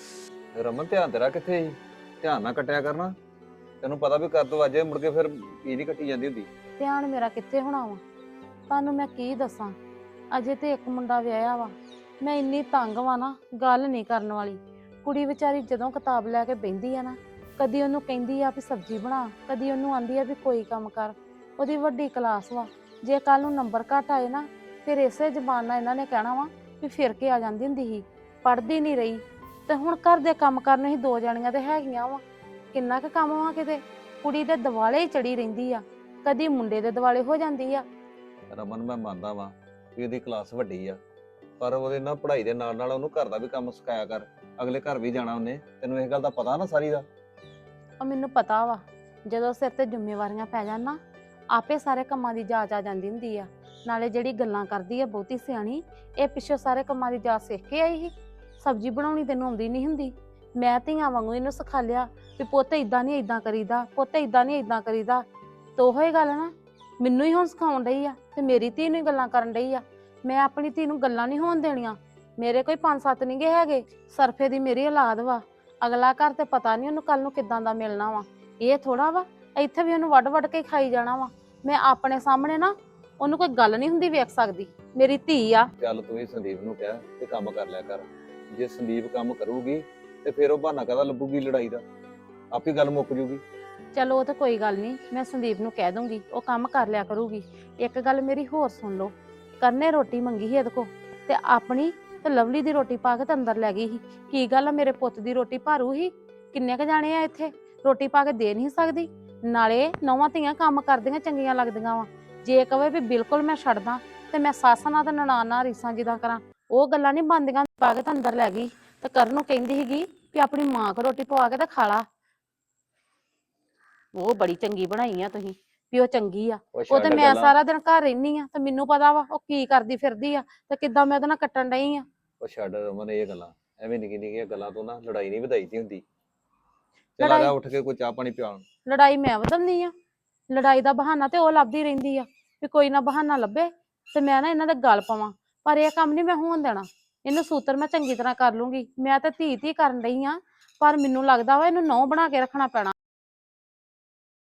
Speaker 4: ਆ।
Speaker 8: ਰਮਨ ਧਿਆਨ ਤੇਰਾ ਕਿੱਥੇ ਸੀ? ਧਿਆਨ ਨਾਲ ਕੱਟਿਆ ਕਰਨਾ। ਤੈਨੂੰ ਪਤਾ ਵੀ ਕਰ ਦੋ ਅੱਜ ਮੁੜ ਕੇ ਫਿਰ ਪੀ ਨਹੀਂ ਕੱਟੀ ਜਾਂਦੀ ਹੁੰਦੀ।
Speaker 4: ਧਿਆਨ ਮੇਰਾ ਕਿੱਥੇ ਹੋਣਾ ਵਾ, ਤੁਹਾਨੂੰ ਮੈਂ ਕੀ ਦੱਸਾਂ। ਅਜੇ ਤੇ ਇੱਕ ਮੁੰਡਾ ਵਿਆਹਿਆ ਵਾ, ਮੈਂ ਇੰਨੀ ਤੰਗ ਵਾਂ ਨਾ, ਗੱਲ ਨਹੀਂ ਕਰਨ ਵਾਲੀ। ਕੁੜੀ ਵਿਚਾਰੀ ਜਦੋਂ ਕਿਤਾਬ ਲੈ ਕੇ ਬਹਿੰਦੀ ਆ ਨਾ, ਕਦੀ ਉਹਨੂੰ ਕਹਿੰਦੀ ਆ ਵੀ ਸਬਜ਼ੀ ਬਣਾ, ਕਦੀ ਉਹਨੂੰ ਆਂਦੀ ਆ ਵੀ ਕੋਈ ਕੰਮ ਕਰ। ਉਹਦੀ ਵੱਡੀ ਕਲਾਸ ਵਾ, ਜੇ ਕੱਲ ਨੂੰ ਨੰਬਰ ਘੱਟ ਆਏ ਨਾ, ਫਿਰ ਇਸੇ ਜ਼ਬਾਨ ਨਾਲ ਇਹਨਾਂ ਨੇ ਕਹਿਣਾ ਵਾ ਵੀ ਫਿਰ ਕੇ ਆ ਜਾਂਦੀ ਹੁੰਦੀ ਸੀ, ਪੜ੍ਹਦੀ ਨਹੀਂ ਰਹੀ। ਤੇ ਹੁਣ ਘਰ ਦੇ ਕੰਮ ਕਰਨ ਹੀ 2 ਜਣੀਆਂ ਤੇ ਹੈਗੀਆਂ ਵਾ, ਕਿੰਨਾ ਕੁ ਕੰਮ ਵਾ। ਕਿਤੇ ਕੁੜੀ ਦੇ ਦਿਵਾਲੇ ਹੀ ਚੜੀ ਰਹਿੰਦੀ ਆ, ਕਦੀ ਮੁੰਡੇ ਦੇ ਦਿਵਾਲੇ ਹੋ ਜਾਂਦੀ ਆ।
Speaker 8: ਰਮਨ ਮੈਂ ਮੰਨਦਾ ਵਾਂ ਕਿ ਉਹਦੀ ਕਲਾਸ ਵੱਡੀ ਆ, ਪਰ ਉਹਦੇ ਨਾਲ ਪੜ੍ਹਾਈ ਦੇ ਨਾਲ ਨਾਲ ਉਹਨੂੰ ਘਰ ਦਾ ਵੀ ਕੰਮ ਸਿਖਾਇਆ ਕਰ। ਅਗਲੇ ਘਰ ਵੀ ਜਾਣਾ ਉਹਨੇ, ਤੈਨੂੰ ਇਹ ਗੱਲ ਦਾ ਪਤਾ ਨਾ ਸਾਰੀ ਦਾ।
Speaker 4: ਉਹ ਮੈਨੂੰ ਪਤਾ ਵਾ, ਜਦੋਂ ਸਿਰ ਤੇ ਜ਼ਿੰਮੇਵਾਰੀਆਂ ਪੈ ਜਾਣ ਨਾ, ਆਪੇ ਸਾਰੇ ਕੰਮਾਂ ਦੀ ਜਾਚ ਆ ਜਾਂਦੀ ਹੁੰਦੀ ਆ। ਨਾਲੇ ਜਿਹੜੀ ਗੱਲਾਂ ਕਰਦੀ ਆ ਬਹੁਤੀ ਸਿਆਣੀ, ਇਹ ਪਿੱਛੋਂ ਸਾਰੇ ਕੰਮਾਂ ਦੀ ਜਾਚ ਸਿੱਖ ਕੇ ਆਈ ਸੀ। ਸਬਜ਼ੀ ਬਣਾਉਣੀ ਤੈਨੂੰ ਆਉਂਦੀ ਨਹੀਂ ਹੁੰਦੀ, ਮੈਂ ਧੀਆਂ ਵਾਂਗੂ ਇਹਨੂੰ ਸਿਖਾ ਲਿਆ ਵੀ ਪੁੱਤ ਇਦਾਂ ਨਹੀਂ ਇਦਾਂ ਕਰੀਦਾ, ਪੁੱਤ ਇਦਾਂ ਨਹੀਂ ਇਦਾਂ ਕਰੀਦਾ। ਤੇ ਉਹੋ ਹੀ ਗੱਲ ਨਾ ਮੈਨੂੰ ਹੀ ਹੁਣ ਸਿਖਾਉਣ ਡਈ ਆ, ਤੇ ਮੇਰੀ ਧੀ ਨੂੰ ਹੀ ਗੱਲਾਂ ਕਰਨ ਡਈ ਆ। ਮੈਂ ਆਪਣੀ ਧੀ ਨੂੰ ਗੱਲਾਂ ਨਹੀਂ ਹੋਣ ਦੇਣੀਆਂ। ਮੇਰੇ ਕੋਈ 5-7 ਨਹੀਂ ਗੇ ਹੈਗੇ, ਸਰਫੇ ਦੀ ਮੇਰੀ ਔਲਾਦ ਵਾ। ਅਗਲਾ ਘਰ ਤੇ ਪਤਾ ਨਹੀਂ ਉਹਨੂੰ ਕੱਲ ਨੂੰ ਕਿੱਦਾਂ ਦਾ ਮਿਲਣਾ ਵਾ। ਇਹ ਥੋੜਾ ਵਾ ਇੱਥੇ ਵੀ ਉਹਨੂੰ ਵੱਢ ਕੇ ਖਾਈ ਜਾਣਾ ਵਾ। ਮੈਂ ਆਪਣੇ ਸਾਹਮਣੇ ਨਾ ਉਹਨੂੰ ਕੋਈ ਗੱਲ ਨਹੀਂ ਹੁੰਦੀ ਵੇਖ ਸਕਦੀ, ਮੇਰੀ ਧੀ ਆ।
Speaker 8: ਚੱਲ ਤੂੰ ਹੀ ਸੰਦੀਪ ਨੂੰ ਕਹਿ ਤੇ ਕੰਮ ਕਰ ਲਿਆ ਕਰ। ਜੇ ਸੰਦੀਪ ਕੰਮ ਕਰੂਗੀ ਤੇ ਫਿਰ ਉਹ ਬਹਾਨਾ ਕਾਹਦਾ ਲੱਭੂਗੀ ਲੜਾਈ ਦਾ, ਆਪੇ ਗੱਲ ਮੁੱਕ ਜੂਗੀ।
Speaker 4: ਚਲੋ ਉਹ ਤਾਂ ਕੋਈ ਗੱਲ ਨਹੀਂ, ਮੈਂ ਸੰਦੀਪ ਨੂੰ ਕਹਿ ਦੂੰਗੀ, ਉਹ ਕੰਮ ਕਰ ਲਿਆ ਕਰੂਗੀ। ਇੱਕ ਗੱਲ ਮੇਰੀ ਹੋਰ ਸੁਣ ਲਓ, ਕਰਨੇ ਰੋਟੀ ਮੰਗੀ ਸੀ ਇਹਦੇ ਕੋ, ਤੇ ਆਪਣੀ ਤੇ ਲਵਲੀ ਦੀ ਰੋਟੀ ਪਾ ਕੇ ਤੇ ਅੰਦਰ ਲੈ ਗਈ ਸੀ। ਕੀ ਗੱਲ ਆ, ਮੇਰੇ ਪੁੱਤ ਦੀ ਰੋਟੀ ਭਾਰੂ ਸੀ? ਕਿੰਨੇ ਕ ਜਾਣੇ ਆ ਇੱਥੇ, ਰੋਟੀ ਪਾ ਕੇ ਦੇ ਨਹੀਂ ਸਕਦੀ? ਨਾਲੇ ਨੌਵਾਂ ਧੀਆਂ ਕੰਮ ਕਰਦੀਆਂ ਚੰਗੀਆਂ ਲੱਗਦੀਆਂ ਵਾ। ਜੇ ਕਵੇ ਵੀ ਬਿਲਕੁਲ ਮੈਂ ਛੱਡਦਾ, ਤੇ ਮੈਂ ਸੱਸ ਨਾਲ ਤੇ ਨਨਾਣ ਨਾਲ ਰੀਸਾਂ ਜਿੱਦਾਂ ਕਰਾਂ, ਉਹ ਗੱਲਾਂ ਨਹੀਂ ਬਣਦੀਆਂ। ਪਾ ਕੇ ਤਾਂ ਅੰਦਰ ਲੈ ਗਈ, ਤੇ ਕਰਨ ਨੂੰ ਕਹਿੰਦੀ ਸੀਗੀ ਵੀ ਆਪਣੀ ਮਾਂ ਕੋ ਰੋਟੀ ਪਵਾ ਕੇ ਤੇ ਖਾ ਲਾ। ਉਹ ਬੜੀ ਚੰਗੀ ਬਣਾਈ ਆ ਤੁਸੀਂ ਵੀ ਉਹ ਚੰਗੀ ਆ।
Speaker 8: ਉਹ
Speaker 4: ਉਹ ਤੇ
Speaker 8: ਛੱਡ
Speaker 4: ਮੈਂ
Speaker 8: ਗੱਲਾਂ।
Speaker 4: ਸਾਰਾ ਦਿਨ ਘਰ ਰਹਿਨੀ ਆ, ਤੇ ਮੈਨੂੰ ਪਤਾ ਵਾ ਉਹ ਕੀ ਕਰਦੀ ਫਿਰਦੀ ਆ, ਤੇ ਕਿੱਦਾਂ ਮੈਂ ਉਹਦੇ ਨਾਲ ਕੱਟਣ ਡਈ ਆ।
Speaker 8: ਉਹ ਛੱਡ ਰਮਨ ਇਹ ਗੱਲਾਂ, ਐਵੇਂ ਨਿੱਕੀ ਨਿੱਕੀਆਂ ਗੱਲਾਂ ਤੋਂ ਨਾ ਲੜਾਈ ਨਹੀਂ ਵਧਾਈ ਦੀ ਹੁੰਦੀ। ਚੱਲ ਆ ਜਾ ਉੱਠ ਕੇ ਕੋਈ ਚਾਹ ਪਾਣੀ ਪਿਆਉਣ।
Speaker 4: ਲੜਾਈ ਮੈਂ ਵਧਾਉਂਦੀ ਆ? ਲੜਾਈ ਦਾ ਬਹਾਨਾ ਤੇ ਉਹ ਲੱਭਦੀ ਰਹਿੰਦੀ ਆ ਵੀ ਕੋਈ ਨਾ ਬਹਾਨਾ ਲੱਭੇ ਤੇ ਮੈਂ ਨਾ ਇਹਨਾਂ ਦੇ ਗਲ ਪਵਾਂ। ਪਰ ਇਹ ਕੰਮ ਨਹੀਂ ਮੈਂ ਹੋਣ ਦੇਣਾ। ਇਹਨੂੰ ਸੂਤਰ ਮੈਂ ਚੰਗੀ ਤਰ੍ਹਾਂ ਕਰ ਲੂੰਗੀ। ਮੈਂ ਤਾਂ ਧੀ ਕਰਨ ਡਈ ਆ, ਪਰ ਮੈਨੂੰ ਲੱਗਦਾ ਵਾ ਇਹਨੂੰ ਨਹੁੰ ਬਣਾ ਕੇ ਰੱਖਣਾ ਪੈਣਾ।